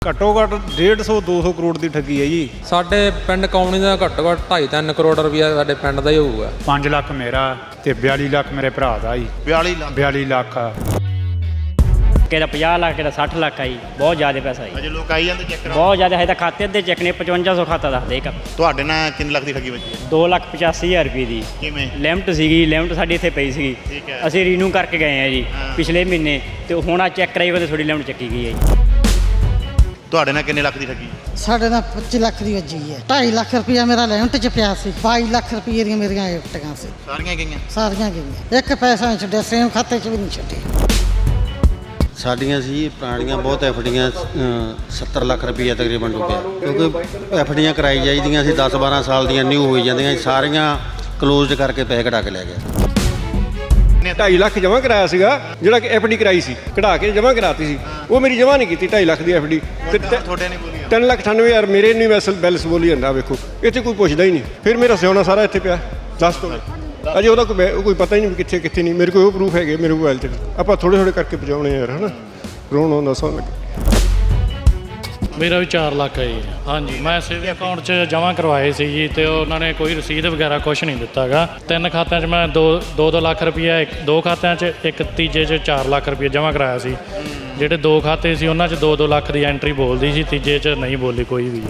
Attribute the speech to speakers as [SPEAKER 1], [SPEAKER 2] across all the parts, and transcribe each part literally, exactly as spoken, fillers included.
[SPEAKER 1] ਘੱਟੋ ਘੱਟ डेढ़ सौ दो सौ ਕਰੋੜ ਦੀ ਠੱਗੀ ਹੈ ਜੀ।
[SPEAKER 2] ਸਾਡੇ ਪਿੰਡ ਕੌਣੀ ਦਾ ਘੱਟੋ ਘੱਟ ਢਾਈ ਤਿੰਨ ਕਰੋੜ ਰੁਪਇਆ ਸਾਡੇ ਪਿੰਡ ਦਾ ਹੀ ਹੋਊਗਾ।
[SPEAKER 3] ਪੰਜ ਲੱਖ ਮੇਰਾ ਤੇ ਬਿਆਲੀ ਲੱਖ ਮੇਰੇ ਭਰਾ ਦਾ ਜੀ।
[SPEAKER 4] ਬਿਆਲੀ ਲੱਖ
[SPEAKER 3] ਬਿਆਲੀ ਲੱਖ ਆ।
[SPEAKER 5] ਕਿਹਦਾ ਪੰਜਾਹ ਲੱਖ ਕਿਹਦਾ ਸੱਠ ਲੱਖ ਆ ਜੀ। ਬਹੁਤ ਜ਼ਿਆਦਾ ਪੈਸਾ ਜੀ।
[SPEAKER 4] ਅਜੇ ਲੋਕ ਆਈ ਜਾਂਦੇ ਚੈੱਕ ਕਰਾਉਣ।
[SPEAKER 5] ਬਹੁਤ ਜ਼ਿਆਦਾ ਹੈ ਤਾਂ ਖਾਤੇ ਦੇ ਚੈੱਕ ਨੇ ਪਚਵੰਜਾ ਸੌ ਖਾਤਾ ਦੱਸਦੇ ਇੱਕ।
[SPEAKER 4] ਤੁਹਾਡੇ ਨਾਲ ਕਿੰਨੇ ਲੱਖ ਦੀ ਠੱਗੀ ਵੱਜੀ ਹੈ?
[SPEAKER 5] ਦੋ ਲੱਖ ਪਚਾਸੀ ਹਜ਼ਾਰ ਰੁਪਏ ਦੀ
[SPEAKER 4] ਕਿਵੇਂ?
[SPEAKER 5] ਲਿਮਟ ਸੀਗੀ, ਲਿਮਟ ਸਾਡੀ ਇੱਥੇ ਪਈ ਸੀਗੀ।
[SPEAKER 4] ਠੀਕ ਹੈ।
[SPEAKER 5] ਅਸੀਂ ਰੀਨਿਊ ਕਰਕੇ ਗਏ ਆ ਜੀ
[SPEAKER 4] ਹਾਂ।
[SPEAKER 5] ਪਿਛਲੇ ਮਹੀਨੇ, ਤੇ ਹੁਣ ਆ ਚੈੱਕ ਕਰਾਈ ਉਹਦੇ ਥੋੜੀ ਲਿਮਟ ਚੱਕੀ ਗਈ ਹੈ ਜੀ।
[SPEAKER 4] ਤੁਹਾਡੇ ਨਾਲ ਕਿੰਨੇ ਲੱਖ ਦੀ ਠੱਗੀ?
[SPEAKER 6] ਸਾਡੇ ਨਾਲ ਪੱਚੀ ਲੱਖ ਦੀ ਵੱਜੀ ਹੈ। ਢਾਈ ਲੱਖ ਰੁਪਇਆ ਮੇਰਾ ਲਿਮਟ 'ਚ ਪਿਆ ਸੀ। ਬਾਈ ਲੱਖ ਰੁਪਏ ਦੀਆਂ ਮੇਰੀਆਂ ਐਫਟੀਆਂ ਸੀ।
[SPEAKER 4] ਸਾਰੀਆਂ ਗਈਆਂ?
[SPEAKER 6] ਸਾਰੀਆਂ ਗਈਆਂ, ਇੱਕ ਪੈਸਾ ਨਹੀਂ ਛੱਡਿਆ, ਸੇਮ ਖਾਤੇ 'ਚ ਵੀ ਨਹੀਂ ਛੱਡਿਆ।
[SPEAKER 7] ਸਾਡੀਆਂ ਸੀ ਪੁਰਾਣੀਆਂ ਬਹੁਤ ਐਫਡੀਆਂ ਸੱਤਰ ਲੱਖ ਰੁਪਈਆ ਤਕਰੀਬਨ ਡੁੱਬਿਆ, ਕਿਉਂਕਿ ਐਫਡੀਆਂ ਕਰਾਈ ਜਾਈਦੀਆਂ ਸੀ ਦਸ ਬਾਰਾਂ ਸਾਲ ਦੀਆਂ, ਨਿਊ ਹੋਈ ਜਾਂਦੀਆਂ, ਸਾਰੀਆਂ ਕਲੋਜ਼ਡ ਕਰਕੇ ਪੈਸੇ ਕਢਾ ਕੇ ਲੈ ਗਏ।
[SPEAKER 1] ਢਾਈ ਲੱਖ ਜਮ੍ਹਾਂ ਕਰਾਇਆ ਸੀਗਾ, ਜਿਹੜਾ ਕਿ ਐਫ ਡੀ ਕਰਾਈ ਸੀ, ਕਢਾ ਕੇ ਜਮ੍ਹਾਂ ਕਰਾਤੀ ਸੀ, ਉਹ ਮੇਰੀ ਜਮ੍ਹਾਂ ਨਹੀਂ ਕੀਤੀ ਢਾਈ ਲੱਖ ਦੀ ਐਫ ਡੀ। ਤੇ
[SPEAKER 4] ਤੁਹਾਡੇ ਨੇ ਬੋਲੀ
[SPEAKER 1] ਤਿੰਨ ਲੱਖ ਅਠਾਨਵੇਂ ਹਜ਼ਾਰ ਮੇਰੇ ਨਹੀਂ ਵੈਸਲ ਬੈਲੈਂਸ ਬੋਲੀ ਜਾਂਦਾ। ਵੇਖੋ ਇੱਥੇ ਕੋਈ ਪੁੱਛਦਾ ਹੀ ਨਹੀਂ, ਫਿਰ ਮੇਰਾ ਸਿਆਉਣਾ ਸਾਰਾ ਇੱਥੇ ਪਿਆ ਦੱਸ ਤੋਂ ਅਜੇ ਉਹਦਾ ਕੋਈ ਕੋਈ ਪਤਾ ਹੀ ਨਹੀਂ ਕਿੱਥੇ ਕਿੱਥੇ ਨਹੀਂ। ਮੇਰੇ ਕੋਲ ਉਹ ਪ੍ਰੂਫ ਹੈਗੇ ਮੇਰੇ ਮੋਬਾਈਲ 'ਚ। ਆਪਾਂ ਥੋੜ੍ਹੇ ਥੋੜ੍ਹੇ ਕਰਕੇ ਪਹੁੰਚਾਉਣੇ ਯਾਰ, ਹੈ ਨਾ। ਰੋਣ ਆਉਂਦਾ ਸੌਣ ਲੱਗੇ।
[SPEAKER 8] ਮੇਰਾ ਵੀ ਚਾਰ ਲੱਖ ਹੈ ਜੀ। ਹਾਂਜੀ, ਮੈਂ ਸੇਵਿੰਗ ਅਕਾਊਂਟ 'ਚ ਜਮ੍ਹਾਂ ਕਰਵਾਏ ਸੀ ਜੀ, ਤੇ ਉਹਨਾਂ ਨੇ ਕੋਈ ਰਸੀਦ ਵਗੈਰਾ ਕੁਛ ਨਹੀਂ ਦਿੱਤਾ ਗਾ। ਤਿੰਨ ਖਾਤਿਆਂ 'ਚ ਮੈਂ ਦੋ ਦੋ ਦੋ ਲੱਖ ਰੁਪਈਆ, ਇੱਕ ਦੋ ਖਾਤਿਆਂ 'ਚ, ਇੱਕ ਤੀਜੇ 'ਚ ਚਾਰ ਲੱਖ ਰੁਪਈਆ ਜਮ੍ਹਾਂ ਕਰਾਇਆ ਸੀ। ਜਿਹੜੇ ਦੋ ਖਾਤੇ ਸੀ ਉਹਨਾਂ 'ਚ ਦੋ ਦੋ ਲੱਖ ਦੀ ਐਂਟਰੀ ਬੋਲਦੀ ਸੀ, ਤੀਜੇ 'ਚ ਨਹੀਂ ਬੋਲੀ ਕੋਈ ਵੀ।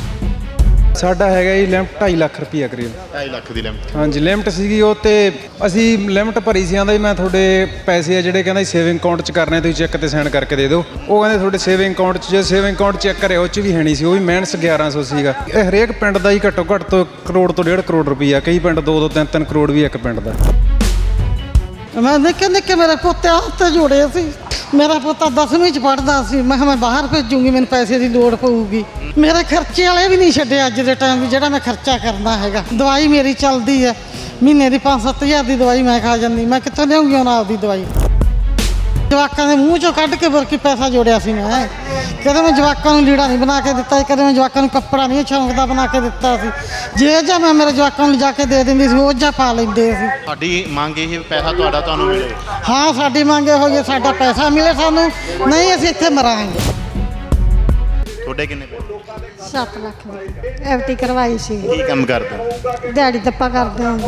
[SPEAKER 9] ਸਾਡਾ ਹੈਗਾ ਜੀ ਲਿਮਟ ਢਾਈ ਲੱਖ ਰੁਪਈਆ ਕਰੀਬ।
[SPEAKER 4] ਢਾਈ ਲੱਖ ਦੀ ਲਿਮਟ?
[SPEAKER 9] ਹਾਂਜੀ, ਲਿਮਟ ਸੀਗੀ ਉਹ, ਤੇ ਅਸੀਂ ਲਿਮਟ ਭਰੀ ਸੀ। ਆਂਦਾ ਜੀ ਮੈਂ ਤੁਹਾਡੇ ਪੈਸੇ ਆ ਜਿਹੜੇ ਕਹਿੰਦਾ ਸੇਵਿੰਗ ਅਕਾਊਂਟ 'ਚ ਕਰਨੇ, ਤੁਸੀਂ ਚੈੱਕ ਤੇ ਸਾਈਨ ਕਰਕੇ ਦੇ ਦਿਓ। ਉਹ ਕਹਿੰਦੇ ਤੁਹਾਡੇ ਸੇਵਿੰਗ ਅਕਾਊਂਟ 'ਚ, ਜੇ ਸੇਵਿੰਗ ਅਕਾਊਂਟ ਚੈੱਕ ਕਰਿਆ ਉਹ 'ਚ ਵੀ ਹੈ ਨਹੀਂ ਸੀ, ਉਹ ਵੀ ਮਾਈਨਸ ਗਿਆਰਾਂ ਸੌ ਸੀਗਾ। ਇਹ ਹਰੇਕ ਪਿੰਡ ਦਾ ਹੀ ਘੱਟੋ ਘੱਟ ਤੋਂ ਕਰੋੜ ਤੋਂ ਡੇਢ ਕਰੋੜ ਰੁਪਈਆ, ਕਈ ਪਿੰਡ ਦੋ ਦੋ ਤਿੰਨ ਤਿੰਨ ਕਰੋੜ ਵੀ ਇੱਕ ਪਿੰਡ ਦਾ।
[SPEAKER 6] ਮੈਂ ਨਿੱਕੇ ਨਿੱਕੇ ਮੇਰੇ ਪੋਤੇ ਹੱਥ ਜੋੜੇ ਸੀ। ਮੇਰਾ ਪੋਤਾ ਦਸਵੀਂ 'ਚ ਪੜ੍ਹਦਾ ਸੀ। ਮੈਂ ਕਿਹਾ ਮੈਂ ਬਾਹਰ ਭੇਜੂੰਗੀ, ਮੈਨੂੰ ਪੈਸੇ ਦੀ ਲੋੜ ਪਊਗੀ। ਮੇਰੇ ਖਰਚੇ ਵਾਲੇ ਵੀ ਨਹੀਂ ਛੱਡੇ ਅੱਜ ਦੇ ਟਾਈਮ ਵੀ, ਜਿਹੜਾ ਮੈਂ ਖਰਚਾ ਕਰਨਾ ਹੈਗਾ। ਦਵਾਈ ਮੇਰੀ ਚੱਲਦੀ ਹੈ, ਮਹੀਨੇ ਦੀ ਪੰਜ ਸੱਤ ਹਜ਼ਾਰ ਦੀ ਦਵਾਈ ਮੈਂ ਖਾ ਜਾਂਦੀ। ਮੈਂ ਕਿੱਥੋਂ ਲਿਆਉਂਗੀ ਉਹਨਾਂ ਆਪਦੀ ਦਵਾਈ? ਜਵਾਕਾਂ ਦੇ ਮੂੰਹ 'ਚੋਂ ਕੱਢ ਕੇ ਬੁਰਕੀ ਪੈਸਾ ਜੋੜਿਆ ਸੀ ਮੈਂ। ਕਦੇ ਮੈਂ ਜਵਾਕਾਂ ਨੂੰ ਲੀੜਾ ਨਹੀਂ ਬਣਾ ਕੇ ਦਿੱਤਾ, ਕਦੇ ਮੈਂ ਜਵਾਕਾਂ ਨੂੰ ਕੱਪੜਾ ਨਹੀਂ ਸ਼ੌਂਕ ਦਾ ਬਣਾ ਕੇ ਦਿੱਤਾ ਸੀ। ਜੇ ਜਾਂ ਮੈਂ ਮੇਰੇ ਜਵਾਕਾਂ ਨੂੰ ਲਿਜਾ ਕੇ ਦੇ ਦਿੰਦੀ ਸੀ, ਉਹ ਜਾਂ ਪਾ ਲੈਂਦੇ ਸੀ।
[SPEAKER 4] ਸਾਡੀ ਮੰਗ ਇਹ ਪੈਸਾ ਤੁਹਾਡਾ ਤੁਹਾਨੂੰ ਮਿਲੇ।
[SPEAKER 6] ਹਾਂ, ਸਾਡੀ ਮੰਗ ਇਹੋ ਜਿਹੀ, ਸਾਡਾ ਪੈਸਾ ਮਿਲੇ ਸਾਨੂੰ, ਨਹੀਂ ਅਸੀਂ ਇੱਥੇ ਮਰਾਂਗੇ।
[SPEAKER 4] ਤੁਹਾਡੇ ਕਿੰਨੇ ਪੈਸੇ?
[SPEAKER 10] ਸੱਤ ਲੱਖ ਦੀ ਐਫ ਡੀ ਕਰਵਾਈ ਸੀ।
[SPEAKER 4] ਕੀ ਕੰਮ ਕਰਦੇ?
[SPEAKER 10] ਦਿਹਾੜੀ ਦੱਪਾ ਕਰਦੇ ਹਾਂ।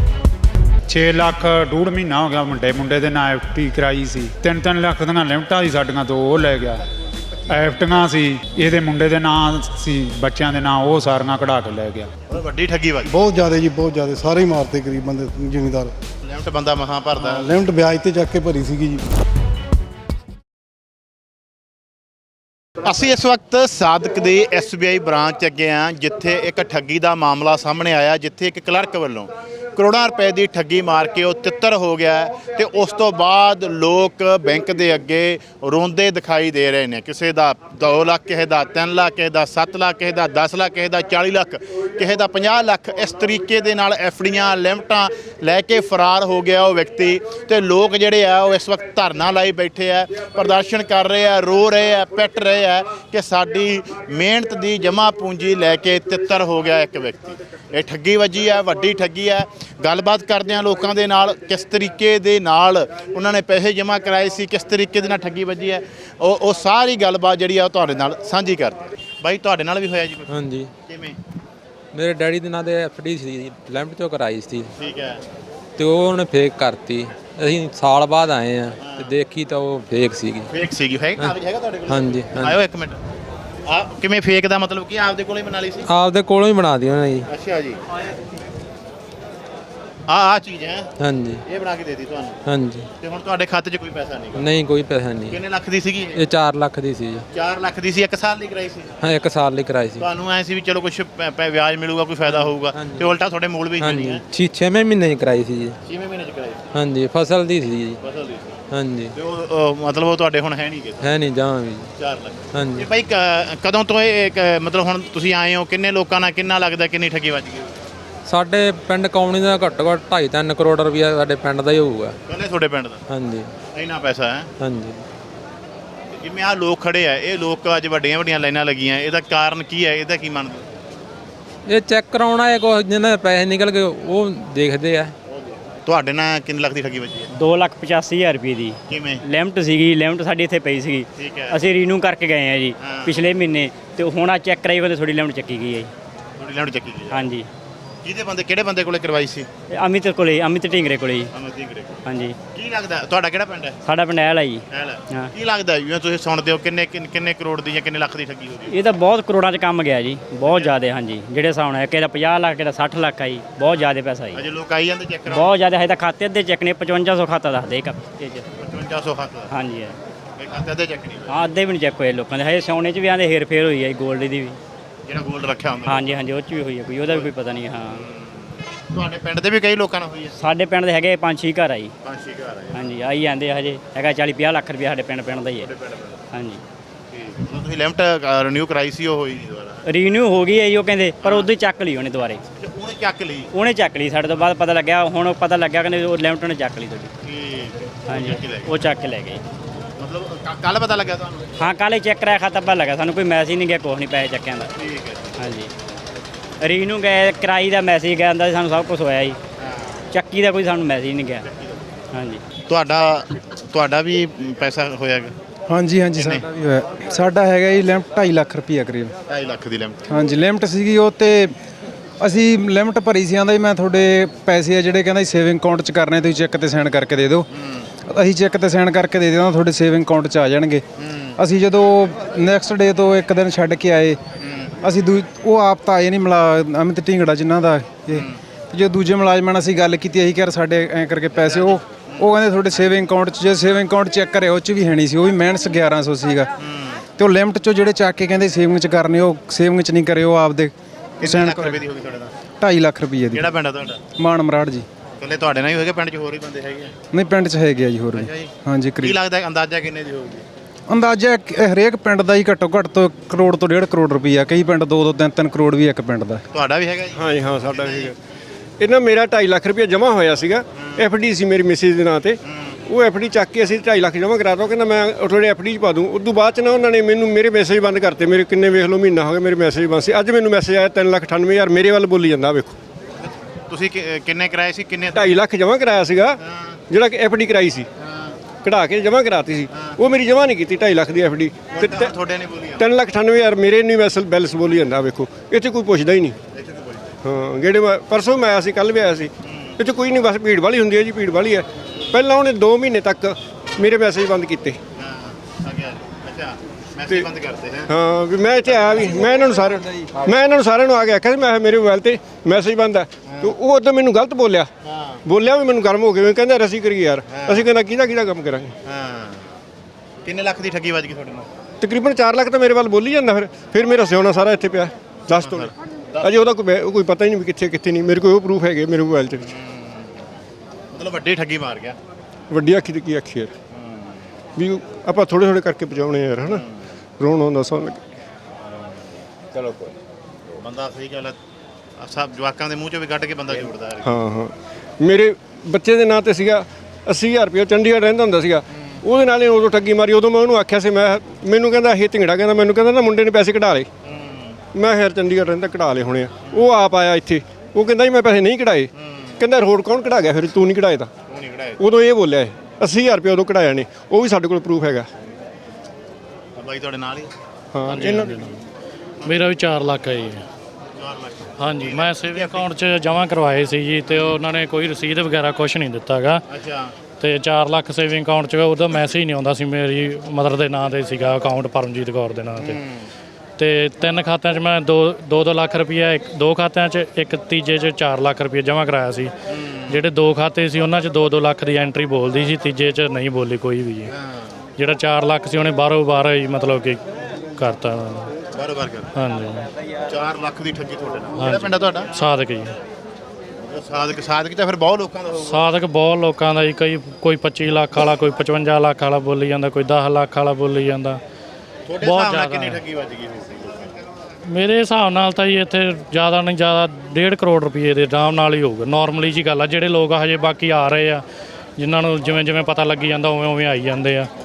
[SPEAKER 3] ਛੇ ਲੱਖ ਡੂਢ ਮਹੀਨਾ ਹੋ ਗਿਆ ਮੁੰਡੇ ਮੁੰਡੇ ਦੇ ਨਾਂ ਐਫਟੀ ਕਰਾਈ ਸੀ। ਤਿੰਨ ਤਿੰਨ ਲੱਖ ਦੀਆਂ ਲਿਮਟਾਂ ਸੀ ਸਾਡੀਆਂ, ਦੋ ਉਹ ਲੈ ਗਿਆ। ਐਫਟੀਆਂ ਸੀ ਇਹਦੇ ਮੁੰਡੇ ਦੇ ਨਾਂ ਸੀ, ਬੱਚਿਆਂ ਦੇ ਨਾਂ, ਉਹ ਸਾਰੀਆਂ ਕਢਾ ਕੇ ਲੈ ਗਿਆ।
[SPEAKER 4] ਵੱਡੀ ਠੱਗੀ ਵੱਜੀ।
[SPEAKER 11] ਬਹੁਤ ਜ਼ਿਆਦਾ ਜੀ, ਬਹੁਤ ਜ਼ਿਆਦਾ। ਸਾਰੇ ਹੀ ਮਾਰਦੇ ਗਰੀਬ ਬੰਦੇ ਜ਼ਿਮੀਂਦਾਰ।
[SPEAKER 4] ਲਿਮਟ ਬੰਦਾ ਮਸਾਂ ਭਰਦਾ।
[SPEAKER 11] ਲਿਮਟ ਵਿਆਜ ਤੇ ਚੱਕ ਕੇ ਭਰੀ ਸੀਗੀ ਜੀ।
[SPEAKER 4] ਅਸੀਂ ਇਸ ਵਕਤ ਸਾਦਕ ਦੇ ਐਸ ਬੀ ਆਈ ਬ੍ਰਾਂਚ ਅੱਗੇ ਆ, ਜਿੱਥੇ ਇੱਕ ਠੱਗੀ ਦਾ ਮਾਮਲਾ ਸਾਹਮਣੇ ਆਇਆ, ਜਿੱਥੇ ਇੱਕ ਕਲਰਕ ਵੱਲੋਂ ਕਰੋੜਾਂ ਰੁਪਏ ਦੀ ਠੱਗੀ ਮਾਰ ਕੇ ਉਹ ਤਿੱਤਰ ਹੋ ਗਿਆ ਤੇ ਉਸ ਤੋਂ ਬਾਅਦ ਲੋਕ ਬੈਂਕ ਦੇ ਅੱਗੇ ਰੋਂਦੇ ਦਿਖਾਈ ਦੇ ਰਹੇ ਨੇ। ਕਿਸੇ ਦਾ ਦੋ ਲੱਖ, ਕਿਸੇ ਦਾ ਤਿੰਨ ਲੱਖ, ਕਿਸੇ ਦਾ ਸੱਤ ਲੱਖ, ਕਿਸੇ ਦਾ ਦਸ ਲੱਖ, ਕਿਸੇ ਦਾ ਚਾਲੀ ਲੱਖ, ਕਿਸੇ ਦਾ ਪੰਜਾਹ ਲੱਖ। ਇਸ ਤਰੀਕੇ ਦੇ ਨਾਲ ਐਫ ਡੀਆਂ ਲਿਮਟਾਂ ਲੈ ਕੇ ਫਰਾਰ ਹੋ ਗਿਆ ਉਹ ਵਿਅਕਤੀ। ਤੇ ਲੋਕ ਜਿਹੜੇ ਆ ਉਹ ਇਸ ਵਕਤ ਧਰਨਾ ਲਾਈ ਬੈਠੇ ਆ, ਪ੍ਰਦਰਸ਼ਨ ਕਰ ਰਹੇ ਆ, ਰੋ ਰਹੇ ਆ, ਪਿੱਟ ਰਹੇ ਆ ਕਿ ਸਾਡੀ ਮਿਹਨਤ ਦੀ ਜਮ੍ਹਾਂ ਪੂੰਜੀ ਲੈ ਕੇ ਤਿੱਤਰ ਹੋ ਗਿਆ ਇੱਕ ਵਿਅਕਤੀ। ਇਹ ਠੱਗੀ ਵੱਜੀ ਹੈ, ਵੱਡੀ ਠੱਗੀ ਹੈ। ਗੱਲਬਾਤ ਕਰਦੇ ਹਾਂ ਲੋਕਾਂ ਦੇ ਨਾਲ, ਕਿਸ ਤਰੀਕੇ ਦੇ ਨਾਲ ਉਹਨਾਂ ਨੇ ਪੈਸੇ ਜਮ੍ਹਾਂ ਕਰਾਏ ਸੀ, ਕਿਸ ਤਰੀਕੇ ਦੇ ਨਾਲ ਠੱਗੀ ਵੱਜੀ ਹੈ, ਉਹ ਉਹ ਸਾਰੀ ਗੱਲਬਾਤ ਜਿਹੜੀ ਆ ਉਹ ਤੁਹਾਡੇ ਨਾਲ ਸਾਂਝੀ ਕਰਦੇ। ਬਾਈ ਤੁਹਾਡੇ ਨਾਲ ਵੀ ਹੋਇਆ ਜੀ ਕੁਛ?
[SPEAKER 2] ਹਾਂਜੀ।
[SPEAKER 4] ਕਿਵੇਂ?
[SPEAKER 2] ਮੇਰੇ ਡੈਡੀ ਦੇ ਨਾਂ ਤੇ ਐਫ ਡੀ ਸੀ, ਲਿਮਟ 'ਚੋਂ ਕਰਾਈ ਸੀ।
[SPEAKER 4] ਠੀਕ ਹੈ।
[SPEAKER 2] ਤੇ ਉਹ ਉਹਨੇ ਫੇਕ ਕਰਤੀ। ਅਸੀਂ ਸਾਲ ਬਾਅਦ ਆਏ ਆ ਤੇ ਦੇਖੀ ਤਾਂ ਉਹ ਫੇਕ ਸੀਗੀ।
[SPEAKER 4] ਫੇਕ ਸੀਗੀ? ਹੈ ਕਾਗਜ਼ ਹੈਗਾ ਤੁਹਾਡੇ ਕੋਲ?
[SPEAKER 2] ਹਾਂਜੀ।
[SPEAKER 4] ਆਇਓ ਇੱਕ ਮਿੰਟ। ਆ ਕਿਵੇਂ ਫੇਕ ਦਾ ਮਤਲਬ ਕੀ? ਆਪਦੇ ਕੋਲੋਂ ਹੀ ਬਣਾ ਲਈ ਸੀ?
[SPEAKER 2] ਆਪਦੇ ਕੋਲੋਂ ਹੀ ਬਣਾ ਦੀ ਉਹਨਾਂ ਨੇ ਜੀ।
[SPEAKER 4] ਅੱਛਾ ਜੀ। ਆ ਆ ਚੀਜ਼ ਹੈ?
[SPEAKER 2] ਹਾਂਜੀ।
[SPEAKER 4] ਇਹ ਬਣਾ ਕੇ ਦੇ ਦਿੱਤੀ ਤੁਹਾਨੂੰ?
[SPEAKER 2] ਹਾਂਜੀ।
[SPEAKER 4] ਤੇ ਹੁਣ ਤੁਹਾਡੇ ਖਾਤੇ 'ਚ ਕੋਈ ਪੈਸਾ ਨਹੀਂ?
[SPEAKER 2] ਨਹੀਂ, ਕੋਈ ਪੈਸਾ ਨਹੀਂ।
[SPEAKER 4] ਕਿੰਨੇ ਲੱਖ ਦੀ ਸੀਗੀ ਇਹ?
[SPEAKER 2] ਇਹ ਚਾਰ ਲੱਖ ਦੀ ਸੀ ਜੀ।
[SPEAKER 4] ਚਾਰ ਲੱਖ ਦੀ ਸੀ। ਇੱਕ ਸਾਲ ਦੀ ਕਰਾਈ ਸੀ?
[SPEAKER 2] ਹਾਂ, ਇੱਕ ਸਾਲ ਲਈ ਕਰਾਈ ਸੀ।
[SPEAKER 4] ਤੁਹਾਨੂੰ ਐ ਸੀ ਵੀ ਚਲੋ ਕੁਝ ਵਿਆਜ ਮਿਲੂਗਾ, ਕੋਈ ਫਾਇਦਾ ਹੋਊਗਾ, ਤੇ ਉਲਟਾ ਤੁਹਾਡੇ ਮੂਲ ਵੀ ਨਹੀਂ ਹੈ।
[SPEAKER 2] ਛੇ ਛੇਵੇਂ ਮਹੀਨੇ 'ਚ ਕਰਾਈ ਸੀ ਜੀ।
[SPEAKER 4] ਛੇਵੇਂ ਮਹੀਨੇ 'ਚ ਕਰਾਈ?
[SPEAKER 2] ਹਾਂਜੀ, ਫਸਲ ਦੀ ਸੀ ਜੀ।
[SPEAKER 4] ਫਸਲ ਦੀ ਸੀ?
[SPEAKER 2] ਹਾਂਜੀ।
[SPEAKER 4] ਤੇ ਉਹ ਮਤਲਬ ਉਹ ਤੁਹਾਡੇ ਹੁਣ ਹੈ ਨਹੀਂ ਕਿਤੇ?
[SPEAKER 2] ਹੈ ਨਹੀਂ ਜਮਾਂ ਵੀ।
[SPEAKER 4] ਚਾਰ ਲੱਖ?
[SPEAKER 2] ਹਾਂਜੀ।
[SPEAKER 4] ਇਹ ਭਾਈ ਕਦੋਂ ਤੋਂ ਇਹ ਮਤਲਬ ਹੁਣ ਤੁਸੀਂ ਆਏ ਹੋ, ਕਿੰਨੇ ਲੋਕਾਂ ਨਾਲ ਕਿੰਨਾ ਲੱਗਦਾ ਕਿੰਨੀ ਠੱਗੀ ਵੱਜ ਗਈ?
[SPEAKER 2] ਸਾਡੇ ਪਿੰਡ ਕੌਣੀ ਦਾ ਘੱਟੋ ਘੱਟ ਢਾਈ ਤਿੰਨ ਕਰੋੜ ਰੁਪਇਆ ਸਾਡੇ ਪਿੰਡ ਦਾ ਹੀ ਹੋਊਗਾ।
[SPEAKER 4] ਪਹਿਲੇ ਤੁਹਾਡੇ ਪਿੰਡ ਦਾ?
[SPEAKER 2] ਹਾਂਜੀ।
[SPEAKER 4] ਇੰਨਾ ਪੈਸਾ ਹੈ?
[SPEAKER 2] ਹਾਂਜੀ।
[SPEAKER 4] ਜਿਵੇਂ ਆਹ ਲੋਕ ਖੜੇ ਆ, ਇਹ ਲੋਕ ਅੱਜ ਵੱਡੀਆਂ ਵੱਡੀਆਂ ਲਾਈਨਾਂ ਲੱਗੀਆਂ, ਇਹਦਾ ਕਾਰਨ ਕੀ ਹੈ? ਇਹਦਾ ਕੀ ਮੰਨਦੇ?
[SPEAKER 2] ਇਹ ਚੈੱਕ ਕਰਾਉਣਾ ਹੈ, ਕੋਈ ਜਿਹਨਾਂ ਦੇ ਪੈਸੇ ਨਿਕਲ ਗਏ ਉਹ ਦੇਖਦੇ ਆ।
[SPEAKER 4] ਤੁਹਾਡੇ ਨਾਲ ਕਿੰਨੇ ਲੱਖ ਦੀ ਠੱਗੀ ਵੱਜੀ ਹੈ?
[SPEAKER 5] ਦੋ ਲੱਖ ਪਚਾਸੀ ਹਜ਼ਾਰ ਰੁਪਏ ਦੀ
[SPEAKER 4] ਕਿਵੇਂ?
[SPEAKER 5] ਲਿਮਟ ਸੀਗੀ, ਲਿਮਟ ਸਾਡੀ ਇੱਥੇ ਪਈ ਸੀਗੀ।
[SPEAKER 4] ਠੀਕ ਹੈ।
[SPEAKER 5] ਅਸੀਂ ਰੀਨਿਊ ਕਰਕੇ ਗਏ ਆ ਜੀ
[SPEAKER 4] ਹਾਂ।
[SPEAKER 5] ਪਿਛਲੇ ਮਹੀਨੇ, ਤੇ ਹੁਣ ਆ ਚੈੱਕ ਕਰਾਈ ਬੰਦੇ ਥੋੜੀ ਲਿਮਟ ਚੱਕੀ ਗਈ ਹੈ ਜੀ।
[SPEAKER 4] ਤੁਹਾਡੀ ਲਿਮਟ ਚੱਕੀ ਗਈ ਹੈ?
[SPEAKER 5] ਹਾਂਜੀ।
[SPEAKER 4] ਕਿਹਦੇ ਬੰਦੇ ਕਿਹੜੇ ਬੰਦੇ ਕੋਲੇ ਕਰਵਾਈ ਸੀ?
[SPEAKER 5] ਇਹ ਅਮਿਤ ਕੋਲੇ, ਅਮਿਤ ਢਿੰਗਰੇ ਕੋਲੇ ਜੀ।
[SPEAKER 4] ਅਮਰ ਸਿੰਘ ਰੇ।
[SPEAKER 5] ਹਾਂਜੀ।
[SPEAKER 4] ਕੀ ਲੱਗਦਾ ਤੁਹਾਡਾ ਕਿਹੜਾ ਪਿੰਡ ਹੈ?
[SPEAKER 5] ਸਾਡਾ ਪਿੰਡ ਐਲ ਆ ਜੀ।
[SPEAKER 4] ਐਲ
[SPEAKER 5] ਹਾਂ।
[SPEAKER 4] ਕੀ ਲੱਗਦਾ ਜਿਵੇਂ ਤੁਸੀਂ ਸੁਣਦੇ ਹੋ ਕਿੰਨੇ ਕਿੰਨੇ ਕਿੰਨੇ ਕਰੋੜ ਦੀ ਜਾਂ ਕਿੰਨੇ ਲੱਖ ਦੀ ਠੱਗੀ ਹੋ ਗਈ?
[SPEAKER 5] ਇਹ ਤਾਂ ਬਹੁਤ ਕਰੋੜਾਂ 'ਚ ਕੰਮ ਗਿਆ ਜੀ, ਬਹੁਤ ਜ਼ਿਆਦਾ। ਹਾਂਜੀ, ਜਿਹੜੇ ਹਿਸਾਬ ਨਾਲ ਕਿਸੇ ਦਾ ਪੰਜਾਹ ਲੱਖ, ਕਿਸੇ ਦਾ ਸੱਠ ਲੱਖ ਆ ਜੀ, ਬਹੁਤ ਜ਼ਿਆਦਾ ਪੈਸਾ ਜੀ।
[SPEAKER 4] ਅਜੇ ਲੋਕ ਆਈ ਜਾਂਦੇ ਚੈੱਕ ਕਰਾਉਣ?
[SPEAKER 5] ਬਹੁਤ ਜ਼ਿਆਦਾ। ਹਜੇ ਤਾਂ ਖਾਤੇ ਅੱਧੇ ਚੈੱਕ ਨੇ, ਪਚਵੰਜਾ ਸੌ ਖਾਤਾ ਦੱਸਦੇ ਇੱਕ ਹਫ਼ਤੇ 'ਚ।
[SPEAKER 4] ਪਚਵੰਜਾ ਸੌ ਖਾਤਾ?
[SPEAKER 5] ਹਾਂਜੀ।
[SPEAKER 4] ਇਹ ਖਾਤੇ ਦੇ ਚੈੱਕ ਨਹੀਂ?
[SPEAKER 5] ਹਾਂ, ਅੱਧੇ ਵੀ ਨਹੀਂ ਚੈੱਕ ਹੋਏ ਲੋਕਾਂ ਦੇ। ਹਜੇ ਸੋਨੇ 'ਚ ਵੀ ਆਂਦੇ ਹੇਰ ਫੇਰ ਹੋਈ ਹੈ ਗੋਲਡ ਦੀ ਵੀ।
[SPEAKER 4] ਜਿਹੜਾ ਗੋਲਡ ਰੱਖਿਆ ਹੁੰਦਾ?
[SPEAKER 5] ਹਾਂਜੀ ਹਾਂਜੀ, ਉਹ 'ਚ ਵੀ ਹੋਈ ਹੈ ਕੋਈ, ਉਹਦਾ ਵੀ ਕੋਈ ਪਤਾ ਨਹੀਂ। ਹਾਂ।
[SPEAKER 4] ਤੁਹਾਡੇ ਪਿੰਡ ਦੇ ਵੀ ਕਈ ਲੋਕਾਂ ਨਾਲ ਹੋਈ ਹੈ?
[SPEAKER 5] ਸਾਡੇ ਪਿੰਡ ਦੇ ਹੈਗੇ ਪੰਜ ਛੇ ਘਰ ਆ ਜੀ।
[SPEAKER 4] ਪੰਜ ਛੇ ਘਰ ਆਏ?
[SPEAKER 5] ਹਾਂਜੀ, ਆਈ ਜਾਂਦੇ ਆ। ਹਜੇ ਹੈਗਾ ਚਾਲੀ ਪੰਜਾਹ ਲੱਖ ਰੁਪਇਆ ਸਾਡੇ ਪਿੰਡ ਪਿੰਡ ਦਾ ਹੀ ਹੈ। ਹਾਂਜੀ।
[SPEAKER 4] ਠੀਕ। ਹੁਣ ਤੁਸੀਂ ਲਿਮਟ ਰੀਨਿਊ ਕਰਾਈ ਸੀ, ਉਹ ਹੋਈ ਨਹੀਂ ਦੁਬਾਰਾ?
[SPEAKER 5] ਰੀਨਿਊ ਹੋ ਗਈ ਹੈ ਜੀ, ਉਹ ਕਹਿੰਦੇ, ਪਰ ਉਦੋਂ ਹੀ ਚੱਕ ਲਈ ਉਹਨੇ ਦੁਬਾਰੇ।
[SPEAKER 4] ਉਹਨੇ ਚੱਕ ਲਈ?
[SPEAKER 5] ਉਹਨੇ ਚੱਕ ਲਈ। ਸਾਡੇ ਤੋਂ ਬਾਅਦ ਪਤਾ ਲੱਗਿਆ, ਹੁਣ ਪਤਾ ਲੱਗਿਆ ਕਹਿੰਦੇ ਉਹ ਲਿਮਟ ਉਹਨੇ ਚੱਕ ਲਈ ਤੁਹਾਡੀ।
[SPEAKER 4] ਠੀਕ।
[SPEAKER 5] ਹਾਂਜੀ, ਉਹ ਚੱਕ ਕੇ ਲੈ ਗਏ।
[SPEAKER 4] ਮਤਲਬ ਕੱਲ ਪਤਾ ਲੱਗਿਆ ਤੁਹਾਨੂੰ?
[SPEAKER 5] ਹਾਂ, ਕੱਲ ਹੀ ਚੈੱਕ ਕਰਾਇਆ ਖਾਤਾ, ਪਤਾ ਲੱਗਾ ਸਾਨੂੰ। ਕੋਈ ਮੈਸੇਜ ਨਹੀਂ ਗਿਆ, ਕੁਛ ਨਹੀਂ ਪੈਸੇ ਚੱਕਿਆਂ ਦਾ।
[SPEAKER 4] ਠੀਕ ਹੈ।
[SPEAKER 5] ਹਾਂਜੀ। ਰੀਨਿਊ ਗਏ, ਕਰਾਈ ਦਾ ਮੈਸੇਜ ਗਿਆ ਹੁੰਦਾ, ਸਾਨੂੰ ਸਭ ਕੁਝ ਹੋਇਆ ਜੀ। ਚੱਕੀ ਦਾ ਕੋਈ ਸਾਨੂੰ ਮੈਸੇਜ ਨਹੀਂ ਗਿਆ। ਹਾਂਜੀ।
[SPEAKER 4] ਤੁਹਾਡਾ ਤੁਹਾਡਾ ਵੀ ਪੈਸਾ ਹੋਇਆਗਾ?
[SPEAKER 9] ਹਾਂਜੀ ਹਾਂਜੀ, ਸਾਡਾ ਵੀ ਹੋਇਆ। ਸਾਡਾ ਹੈਗਾ ਜੀ ਲਿਮਟ ਢਾਈ ਲੱਖ ਰੁਪਈਆ ਕਰੀਬ।
[SPEAKER 4] ਢਾਈ ਲੱਖ ਦੀ ਲਿਮਟ?
[SPEAKER 9] ਹਾਂਜੀ, ਲਿਮਟ ਸੀਗੀ ਉਹ, ਤੇ ਅਸੀਂ ਲਿਮਟ ਭਰੀ ਸੀ। ਆਂਦਾ ਜੀ ਮੈਂ ਤੁਹਾਡੇ ਪੈਸੇ ਆ ਜਿਹੜੇ ਕਹਿੰਦਾ ਸੇਵਿੰਗ ਅਕਾਊਂਟ 'ਚ ਕਰਨੇ, ਤੁਸੀਂ ਚੈੱਕ ਤੇ ਸਾਈਨ ਕਰਕੇ ਦੇ ਦਿਓ। ਅਸੀਂ ਚੈੱਕ ਤੇ ਸਾਈਨ ਕਰਕੇ ਦੇ ਦਿੰਦਾ, ਤੁਹਾਡੇ ਸੇਵਿੰਗ ਅਕਾਊਂਟ 'ਚ ਆ ਜਾਣਗੇ। ਅਸੀਂ ਜਦੋਂ ਨੈਕਸਟ ਡੇ ਤੋਂ ਇੱਕ ਦਿਨ ਛੱਡ ਕੇ ਆਏ, ਅਸੀਂ ਦੂ ਉਹ ਆਪ ਤਾਂ ਆਏ ਨਹੀਂ, ਮਿਲਾ ਅਮਿਤ ਢਿੰਗੜਾ ਜਿਨ੍ਹਾਂ ਦਾ ਇਹ, ਜੋ ਦੂਜੇ ਮੁਲਾਜ਼ਮਾਂ ਨਾਲ ਅਸੀਂ ਗੱਲ ਕੀਤੀ, ਅਸੀਂ ਕਿਹਾ ਸਾਡੇ ਐਂ ਕਰਕੇ ਪੈਸੇ, ਉਹ ਉਹ ਕਹਿੰਦੇ ਤੁਹਾਡੇ ਸੇਵਿੰਗ ਅਕਾਊਂਟ 'ਚ, ਜੇ ਸੇਵਿੰਗ ਅਕਾਊਂਟ ਚੈੱਕ ਕਰਿਆ ਉਹ 'ਚ ਵੀ ਹੈ ਨਹੀਂ ਸੀ, ਉਹ ਵੀ ਮਾਈਨਸ ਗਿਆਰਾਂ ਸੌ ਸੀਗਾ। ਤੇ ਉਹ ਲਿਮਟ 'ਚੋਂ ਜਿਹੜੇ ਚੱਕ ਕੇ ਕਹਿੰਦੇ ਸੇਵਿੰਗ 'ਚ ਕਰਨੇ, ਉਹ ਸੇਵਿੰਗ 'ਚ ਨਹੀਂ ਕਰੇ, ਉਹ ਆਪਦੇ
[SPEAKER 4] ਕਿੰਨੇ ਲੱਖ ਰੁਪਏ ਦੀ ਹੋ ਗਈ ਤੁਹਾਡੇ ਨਾਲ?
[SPEAKER 9] ਢਾਈ ਲੱਖ ਰੁਪਏ ਦੀ।
[SPEAKER 4] ਕਿਹੜਾ ਪਿੰਡ ਆ ਤੁਹਾਡਾ?
[SPEAKER 9] ਮਾਨ ਮਰਾੜ ਜੀ।
[SPEAKER 4] ਇਕੱਲੇ ਤੁਹਾਡੇ ਨਾਲ ਹੀ ਹੋਏਗਾ, ਪਿੰਡ 'ਚ ਹੋਰ ਵੀ ਬੰਦੇ ਹੈਗੇ ਆ?
[SPEAKER 9] ਨਹੀਂ, ਪਿੰਡ 'ਚ ਹੈਗੇ ਆ ਜੀ ਹੋਰ ਵੀ। ਹਾਂਜੀ।
[SPEAKER 4] ਕੀ ਲੱਗਦਾ ਅੰਦਾਜ਼ਾ ਕਿੰਨੇ ਦੀ ਹੋਊਗੀ?
[SPEAKER 9] ਅੰਦਾਜ਼ਾ ਇੱਕ- ਹਰੇਕ ਪਿੰਡ ਦਾ ਹੀ ਘੱਟੋ ਘੱਟ ਤੋਂ ਕਰੋੜ ਤੋਂ ਡੇਢ ਕਰੋੜ ਰੁਪਈਆ, ਕਈ ਪਿੰਡ ਦੋ ਦੋ ਤਿੰਨ ਤਿੰਨ ਕਰੋੜ ਵੀ ਇੱਕ ਪਿੰਡ ਦਾ।
[SPEAKER 4] ਤੁਹਾਡਾ ਵੀ ਹੈਗਾ ਜੀ?
[SPEAKER 1] ਹਾਂਜੀ ਹਾਂ, ਸਾਡਾ ਵੀ ਹੈਗਾ। ਇਹਨਾਂ ਮੇਰਾ ਢਾਈ ਲੱਖ ਰੁਪਇਆ ਜਮ੍ਹਾਂ ਹੋਇਆ ਸੀਗਾ, ਐਫ ਡੀ ਸੀ ਮੇਰੀ ਮਿਸਿਸ ਦੇ ਨਾਂ ਤੇ। ਉਹ ਐਫ ਡੀ ਚੱਕ ਕੇ ਅਸੀਂ ਢਾਈ ਲੱਖ ਜਮ੍ਹਾਂ ਕਰਾ ਤਾ। ਕਹਿੰਦਾ ਮੈਂ ਤੁਹਾਡੇ ਐਫ ਡੀ 'ਚ ਪਾ ਦੂੰ। ਉਸ ਤੋਂ ਬਾਅਦ 'ਚ ਨਾ ਉਹਨਾਂ ਨੇ ਮੈਨੂੰ ਮੇਰੇ ਮੈਸੇਜ ਬੰਦ ਕਰਤੇ। ਮੇਰੇ ਕਿੰਨੇ ਵੇਖ ਲਓ ਮਹੀਨਾ ਹੋ ਗਿਆ, ਮੇਰੇ ਮੈਸੇਜ ਬੰਦ ਸੀ। ਅੱਜ ਮੈਨੂੰ ਮੈਸੇਜ ਆਇਆ ਤਿੰਨ ਲੱਖ ਅਠਾਨਵੇਂ ਹਜ਼ਾਰ ਮੇਰੇ ਵੱਲ ਬੋਲੀ ਜਾਂਦਾ। ਵੇਖੋ
[SPEAKER 4] ਤੁਸੀਂ ਕਿ- ਕਿੰਨੇ ਕਰਾਏ ਸੀ? ਕਿੰਨੇ?
[SPEAKER 1] ਢਾਈ ਲੱਖ ਜਮ੍ਹਾਂ ਕਰਾਇਆ ਸੀਗਾ, ਜਿਹੜਾ ਕਿ ਐਫ ਡੀ ਕਰਾਈ ਸੀ, ਕਢਾ ਕੇ ਜਮ੍ਹਾਂ ਕਰਾਤੀ ਸੀ। ਉਹ ਮੇਰੀ ਜਮ੍ਹਾਂ ਨਹੀਂ ਕੀਤੀ ਢਾਈ ਲੱਖ ਦੀ ਐਫ ਡੀ। ਤੇ
[SPEAKER 4] ਤੁਹਾਡੇ ਨੇ ਬੋਲੀ?
[SPEAKER 1] ਤਿੰਨ ਲੱਖ ਅਠਾਨਵੇਂ ਹਜ਼ਾਰ ਮੇਰੇ ਯੂਨੀਵਰਸਲ ਬੈਲੈਂਸ ਬੋਲੀ ਜਾਂਦਾ। ਵੇਖੋ ਇੱਥੇ ਕੋਈ ਪੁੱਛਦਾ ਹੀ ਨਹੀਂ। ਹਾਂ, ਜਿਹੜੇ ਮੈਂ ਪਰਸੋਂ ਮੈਂ ਆਇਆ ਸੀ, ਕੱਲ੍ਹ ਵੀ ਆਇਆ ਸੀ, ਇੱਥੇ ਕੋਈ ਨਹੀਂ। ਬਸ ਭੀੜ ਵਾਲੀ ਹੁੰਦੀ ਹੈ ਜੀ, ਭੀੜ ਵਾਲੀ ਹੈ। ਪਹਿਲਾਂ ਉਹਨੇ ਦੋ ਮਹੀਨੇ ਤੱਕ ਮੇਰੇ ਮੈਸੇਜ ਬੰਦ ਕੀਤੇ।
[SPEAKER 4] ਅੱਛਾ, ਮੈਸੇਜ ਬੰਦ ਕਰਤੇ ਹੈ?
[SPEAKER 1] ਹਾਂ, ਵੀ ਮੈਂ ਇੱਥੇ ਆਇਆ ਵੀ, ਮੈਂ ਇਹਨਾਂ ਨੂੰ ਸਾਰੇ ਮੈਂ ਇਹਨਾਂ ਨੂੰ ਸਾਰਿਆਂ ਨੂੰ ਆ ਕੇ ਆਖਿਆ ਸੀ, ਮੈਂ ਮੇਰੇ ਮੋਬਾਈਲ ਤੇ ਮੈਸੇਜ ਬੰਦ ਹੈ। ਤੇ ਉਹ ਉਦੋਂ ਮੈਨੂੰ ਗਲਤ ਬੋਲਿਆ ਬੋਲਿਆ ਵੀ ਮੈਨੂੰ ਗਰਮ ਹੋ ਗਿਆ। ਕਹਿੰਦਾ ਅਸੀਂ ਕਰੀਏ ਯਾਰ, ਅਸੀਂ ਕਹਿੰਦਾ ਕਿਹਦਾ ਕਿਹਦਾ ਕੰਮ ਕਰਾਂਗੇ।
[SPEAKER 4] ਹਾਂ। ਕਿੰਨੇ ਲੱਖ ਦੀ ਠੱਗੀ ਵੱਜ ਗਈ ਤੁਹਾਡੇ ਨਾਲ?
[SPEAKER 1] ਤਕਰੀਬਨ ਚਾਰ ਲੱਖ ਤਾਂ ਮੇਰੇ ਵੱਲ ਬੋਲੀ ਜਾਂਦਾ। ਫਿਰ ਫਿਰ ਮੇਰਾ ਸਿਉਣਾ ਸਾਰਾ ਇੱਥੇ ਪਿਆ ਦਸ ਤੋਂ। ਅਜੇ ਉਹਦਾ ਕੋਈ ਕੋਈ ਪਤਾ ਹੀ ਨਹੀਂ ਵੀ ਕਿੱਥੇ ਕਿੱਥੇ ਨਹੀਂ। ਮੇਰੇ ਕੋਲ ਉਹ ਪ੍ਰੂਫ ਹੈਗੇ ਮੇਰੇ ਮੋਬਾਈਲ 'ਚ।
[SPEAKER 4] ਮਤਲਬ ਵੱਡੀ ਠੱਗੀ ਮਾਰ ਗਿਆ।
[SPEAKER 1] ਵੱਡੀ ਅੱਖੀ ਤੇ ਕੀ ਅੱਖੀ ਯਾਰ, ਵੀ ਆਪਾਂ ਥੋੜੇ ਥੋੜੇ ਕਰਕੇ ਪਹੁੰਚਾਉਣੇ ਯਾਰ, ਹਨਾ। ਰੋਣ ਆਉਂਦਾ ਸੌਣ ਲੱਗੇ।
[SPEAKER 4] ਚਲੋ ਕੋਈ ਬੰਦਾ ਸਹੀ ਗੱਲ ਹੈ, ਸਭ ਜਵਾਕਾਂ ਦੇ ਮੂੰਹ 'ਚੋਂ ਵੀ ਕੱਢ ਕੇ ਬੰਦਾ ਜੋੜਦਾ ਹੈ।
[SPEAKER 1] ਹਾਂ ਹਾਂ, ਮੇਰੇ ਬੱਚੇ ਦੇ ਨਾਂ ਤੇ ਸੀਗਾ ਅੱਸੀ ਹਜ਼ਾਰ ਰੁਪਇਆ, ਚੰਡੀਗੜ੍ਹ ਰਹਿੰਦਾ ਹੁੰਦਾ ਸੀਗਾ। ਉਹਦੇ ਨਾਲ ਹੀ ਉਦੋਂ ਠੱਗੀ ਮਾਰੀ। ਉਦੋਂ ਮੈਂ ਉਹਨੂੰ ਆਖਿਆ ਸੀ, ਮੈਂ ਮੈਨੂੰ ਕਹਿੰਦਾ ਇਹ ਢਿੰਗੜਾ ਕਹਿੰਦਾ ਮੈਨੂੰ ਕਹਿੰਦਾ ਨਾ ਮੁੰਡੇ ਨੇ ਪੈਸੇ ਕਢਾ ਲਏ। ਮੈਂ ਫਿਰ ਚੰਡੀਗੜ੍ਹ ਰਹਿੰਦਾ, ਕਢਾ ਲਏ ਹੋਣੇ ਆ। ਉਹ ਆਪ ਆਇਆ ਇੱਥੇ, ਉਹ ਕਹਿੰਦਾ ਜੀ ਮੈਂ ਪੈਸੇ ਨਹੀਂ ਕਢਾਏ। ਕਹਿੰਦਾ ਰੋਡ ਕੌਣ ਕਢਾ ਗਿਆ ਫਿਰ, ਤੂੰ ਨਹੀਂ ਕਢਾਏ ਤਾਂ। ਉਦੋਂ ਇਹ ਬੋਲਿਆ ਇਹ ਅੱਸੀ ਹਜ਼ਾਰ ਰੁਪਇਆ ਉਦੋਂ ਕਢਾਇਆ ਨੇ। ਉਹ ਵੀ ਸਾਡੇ ਕੋਲ ਪ੍ਰੂਫ ਹੈਗਾ।
[SPEAKER 4] ਬਾਈ ਤੁਹਾਡੇ ਨਾਲ ਹੀ?
[SPEAKER 1] ਹਾਂ, ਇਹਨਾਂ
[SPEAKER 8] ਮੇਰਾ ਵੀ ਚਾਰ ਲੱਖ ਹੈ ਜੀ। ਹਾਂਜੀ, ਮੈਂ ਸੇਵਿੰਗ ਅਕਾਊਂਟ 'ਚ ਜਮ੍ਹਾਂ ਕਰਵਾਏ ਸੀ ਜੀ, ਤੇ ਉਹਨਾਂ ਨੇ ਕੋਈ ਰਸੀਦ ਵਗੈਰਾ ਕੁਛ ਨਹੀਂ ਦਿੱਤਾ ਗਾ।
[SPEAKER 4] ਅੱਛਾ।
[SPEAKER 8] ਤੇ ਚਾਰ ਲੱਖ ਸੇਵਿੰਗ ਅਕਾਊਂਟ 'ਚ ਉਹਦਾ ਮੈਸੇਜ ਨਹੀਂ ਆਉਂਦਾ ਸੀ। ਮੇਰੀ ਮਦਰ ਦੇ ਨਾਂ 'ਤੇ ਸੀਗਾ ਅਕਾਊਂਟ, ਪਰਮਜੀਤ ਕੌਰ ਦੇ ਨਾਂ 'ਤੇ। ਤੇ ਤਿੰਨ ਖਾਤਿਆਂ 'ਚ ਮੈਂ ਦੋ ਦੋ ਦੋ ਲੱਖ ਰੁਪਈਆ, ਇੱਕ ਦੋ ਖਾਤਿਆਂ 'ਚ, ਇੱਕ ਤੀਜੇ 'ਚ ਚਾਰ ਲੱਖ ਰੁਪਈਆ ਜਮ੍ਹਾਂ ਕਰਾਇਆ ਸੀ। ਜਿਹੜੇ ਦੋ ਖਾਤੇ ਸੀ ਉਹਨਾਂ 'ਚ ਦੋ ਦੋ ਲੱਖ ਦੀ ਐਂਟਰੀ ਬੋਲਦੀ ਸੀ, ਤੀਜੇ 'ਚ ਨਹੀਂ ਬੋਲੀ ਕੋਈ ਵੀ ਜੀ। ਜਿਹੜਾ ਚਾਰ ਲੱਖ ਸੀ ਉਹਨੇ ਬਾਹਰੋਂ ਬਾਹਰ ਹੀ ਮਤਲਬ ਕਿ ਕਰਤਾ।
[SPEAKER 4] ਬਾਰੋ ਬਾਰ ਕਰ?
[SPEAKER 8] ਹਾਂਜੀ।
[SPEAKER 4] ਚਾਰ ਲੱਖ ਦੀ ਠੱਗੀ ਤੁਹਾਡੇ ਨਾਲ? ਕਿਹੜਾ ਪਿੰਡ ਆ ਤੁਹਾਡਾ?
[SPEAKER 8] ਸਾਦਕ ਜੀ।
[SPEAKER 4] ਸਾਦਕ? ਸਾਦਕ ਤਾਂ ਫਿਰ ਬਹੁਤ ਲੋਕਾਂ ਦਾ ਹੋਊਗਾ।
[SPEAKER 8] ਸਾਦਕ ਬਹੁਤ ਲੋਕਾਂ ਦਾ ਜੀ। ਕਈ ਕੋਈ ਪੱਚੀ ਲੱਖ ਵਾਲਾ, ਕੋਈ ਪਚਵੰਜਾ ਲੱਖ ਵਾਲਾ ਬੋਲੀ ਜਾਂਦਾ, ਕੋਈ ਦਸ ਲੱਖ ਵਾਲਾ ਬੋਲੀ ਜਾਂਦਾ।
[SPEAKER 4] ਤੁਹਾਡੇ
[SPEAKER 8] ਬਹੁਤ
[SPEAKER 4] ਹਿਸਾਬ ਨਾਲ
[SPEAKER 8] ਜ਼ਿਆਦਾ
[SPEAKER 4] ਕਿੰਨੀ ਠੱਗੀ ਵੱਜ ਗਈ ਹੋਊਗੀ?
[SPEAKER 8] ਮੇਰੇ ਹਿਸਾਬ ਨਾਲ ਤਾਂ ਜੀ ਇੱਥੇ ਜ਼ਿਆਦਾ ਨਹੀਂ ਜ਼ਿਆਦਾ ਡੇਢ ਕਰੋੜ ਰੁਪਏ ਦੇ ਆਰਾਮ ਨਾਲ ਹੀ ਹੋਊਗਾ। ਨੋਰਮਲੀ ਜੀ ਗੱਲ ਆ। ਜਿਹੜੇ ਲੋਕ ਹਜੇ ਬਾਕੀ ਆ ਰਹੇ ਆ, ਜਿਨ੍ਹਾਂ ਨੂੰ ਜਿਵੇਂ ਜਿਵੇਂ ਪਤਾ ਲੱਗੀ ਜਾਂਦਾ ਉਵੇਂ ਉਵੇਂ ਆਈ ਜਾਂਦੇ ਆ।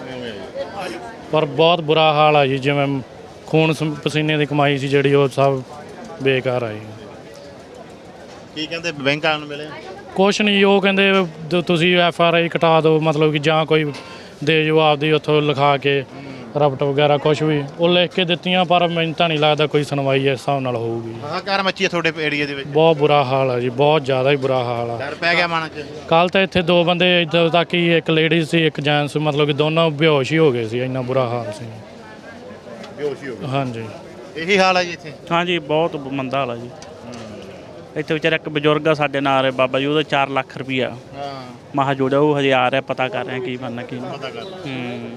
[SPEAKER 8] ਪਰ ਬਹੁਤ ਬੁਰਾ ਹਾਲ ਆ ਜੀ। ਜਿਵੇਂ ਖੂਨ ਪਸੀਨੇ ਦੀ ਕਮਾਈ ਸੀ ਜਿਹੜੀ, ਉਹ ਸਭ ਬੇਕਾਰ ਆਈ।
[SPEAKER 4] ਕੀ ਕਹਿੰਦੇ ਬੈਂਕ ਵਾਲਿਆਂ ਨੂੰ ਮਿਲੇ?
[SPEAKER 8] ਕੁਛ ਨਹੀਂ, ਉਹ ਕਹਿੰਦੇ ਦ- ਤੁਸੀਂ ਐਫ ਆਰ ਆਈ ਕਟਾ ਦਿਓ, ਮਤਲਬ ਕਿ ਜਾਂ ਕੋਈ ਦੇ ਜੋ ਆਪਦੀ ਉੱਥੋਂ ਲਿਖਾ ਕੇ ਰਪਟ ਵਗੈਰਾ ਕੁਛ ਵੀ ਉਹ ਲਿਖ ਕੇ ਦਿੱਤੀਆਂ, ਪਰ ਮੈਨੂੰ ਤਾਂ ਨਹੀਂ ਲੱਗਦਾ ਕੋਈ ਸੁਣਵਾਈ ਇਸ ਹਿਸਾਬ ਨਾਲ ਹੋਊਗੀ।
[SPEAKER 4] ਹਾਹਾਕਾਰ ਮੱਚੀ ਹੈ ਤੁਹਾਡੇ ਏਰੀਆ ਦੇ ਵਿੱਚ?
[SPEAKER 8] ਬਹੁਤ ਬੁਰਾ ਹਾਲ ਆ ਜੀ, ਬਹੁਤ ਜ਼ਿਆਦਾ ਹੀ ਬੁਰਾ ਹਾਲ ਆ।
[SPEAKER 4] ਡਰ ਪੈ ਗਿਆ ਮਨ 'ਚ?
[SPEAKER 8] ਕੱਲ ਤਾਂ ਇੱਥੇ ਦੋ ਬੰਦੇ ਇੱਥੇ ਤੱਕ ਹੀ, ਇੱਕ ਲੇਡੀ ਸੀ ਇੱਕ ਜੈਂਟਸ, ਮਤਲਬ ਕਿ ਦੋਨੋਂ ਬੇਹੋਸ਼ ਹੀ ਹੋ ਗਏ ਸੀ, ਇੰਨਾ ਬੁਰਾ ਹਾਲ ਸੀ।
[SPEAKER 4] ਬੇਹੋਸ਼ ਹੀ ਹੋ ਗਏ?
[SPEAKER 8] ਹਾਂਜੀ,
[SPEAKER 4] ਇਹੀ ਹਾਲ ਹੈ ਜੀ ਇੱਥੇ?
[SPEAKER 5] ਹਾਂਜੀ, ਬਹੁਤ ਮੰਦਾ ਹਾਲ ਆ ਜੀ। ਇੱਥੇ ਵਿਚਾਰਾ ਇੱਕ ਬਜ਼ੁਰਗ ਆ ਸਾਡੇ ਨਾਲ ਹੈ ਬਾਬਾ ਜੀ, ਉਹਦਾ ਚਾਰ ਲੱਖ ਰੁਪਈਆ
[SPEAKER 4] ਹਾਂ
[SPEAKER 5] ਮਹਾ ਜੋੜਿਆ, ਉਹ ਹਜੇ ਆ ਰਿਹਾ, ਪਤਾ ਕਰ ਰਹੇ ਕੀ ਬਣਨਾ ਕੀ ਨਹੀਂ।
[SPEAKER 4] ਪਤਾ ਕਰ
[SPEAKER 5] ਹੂੰ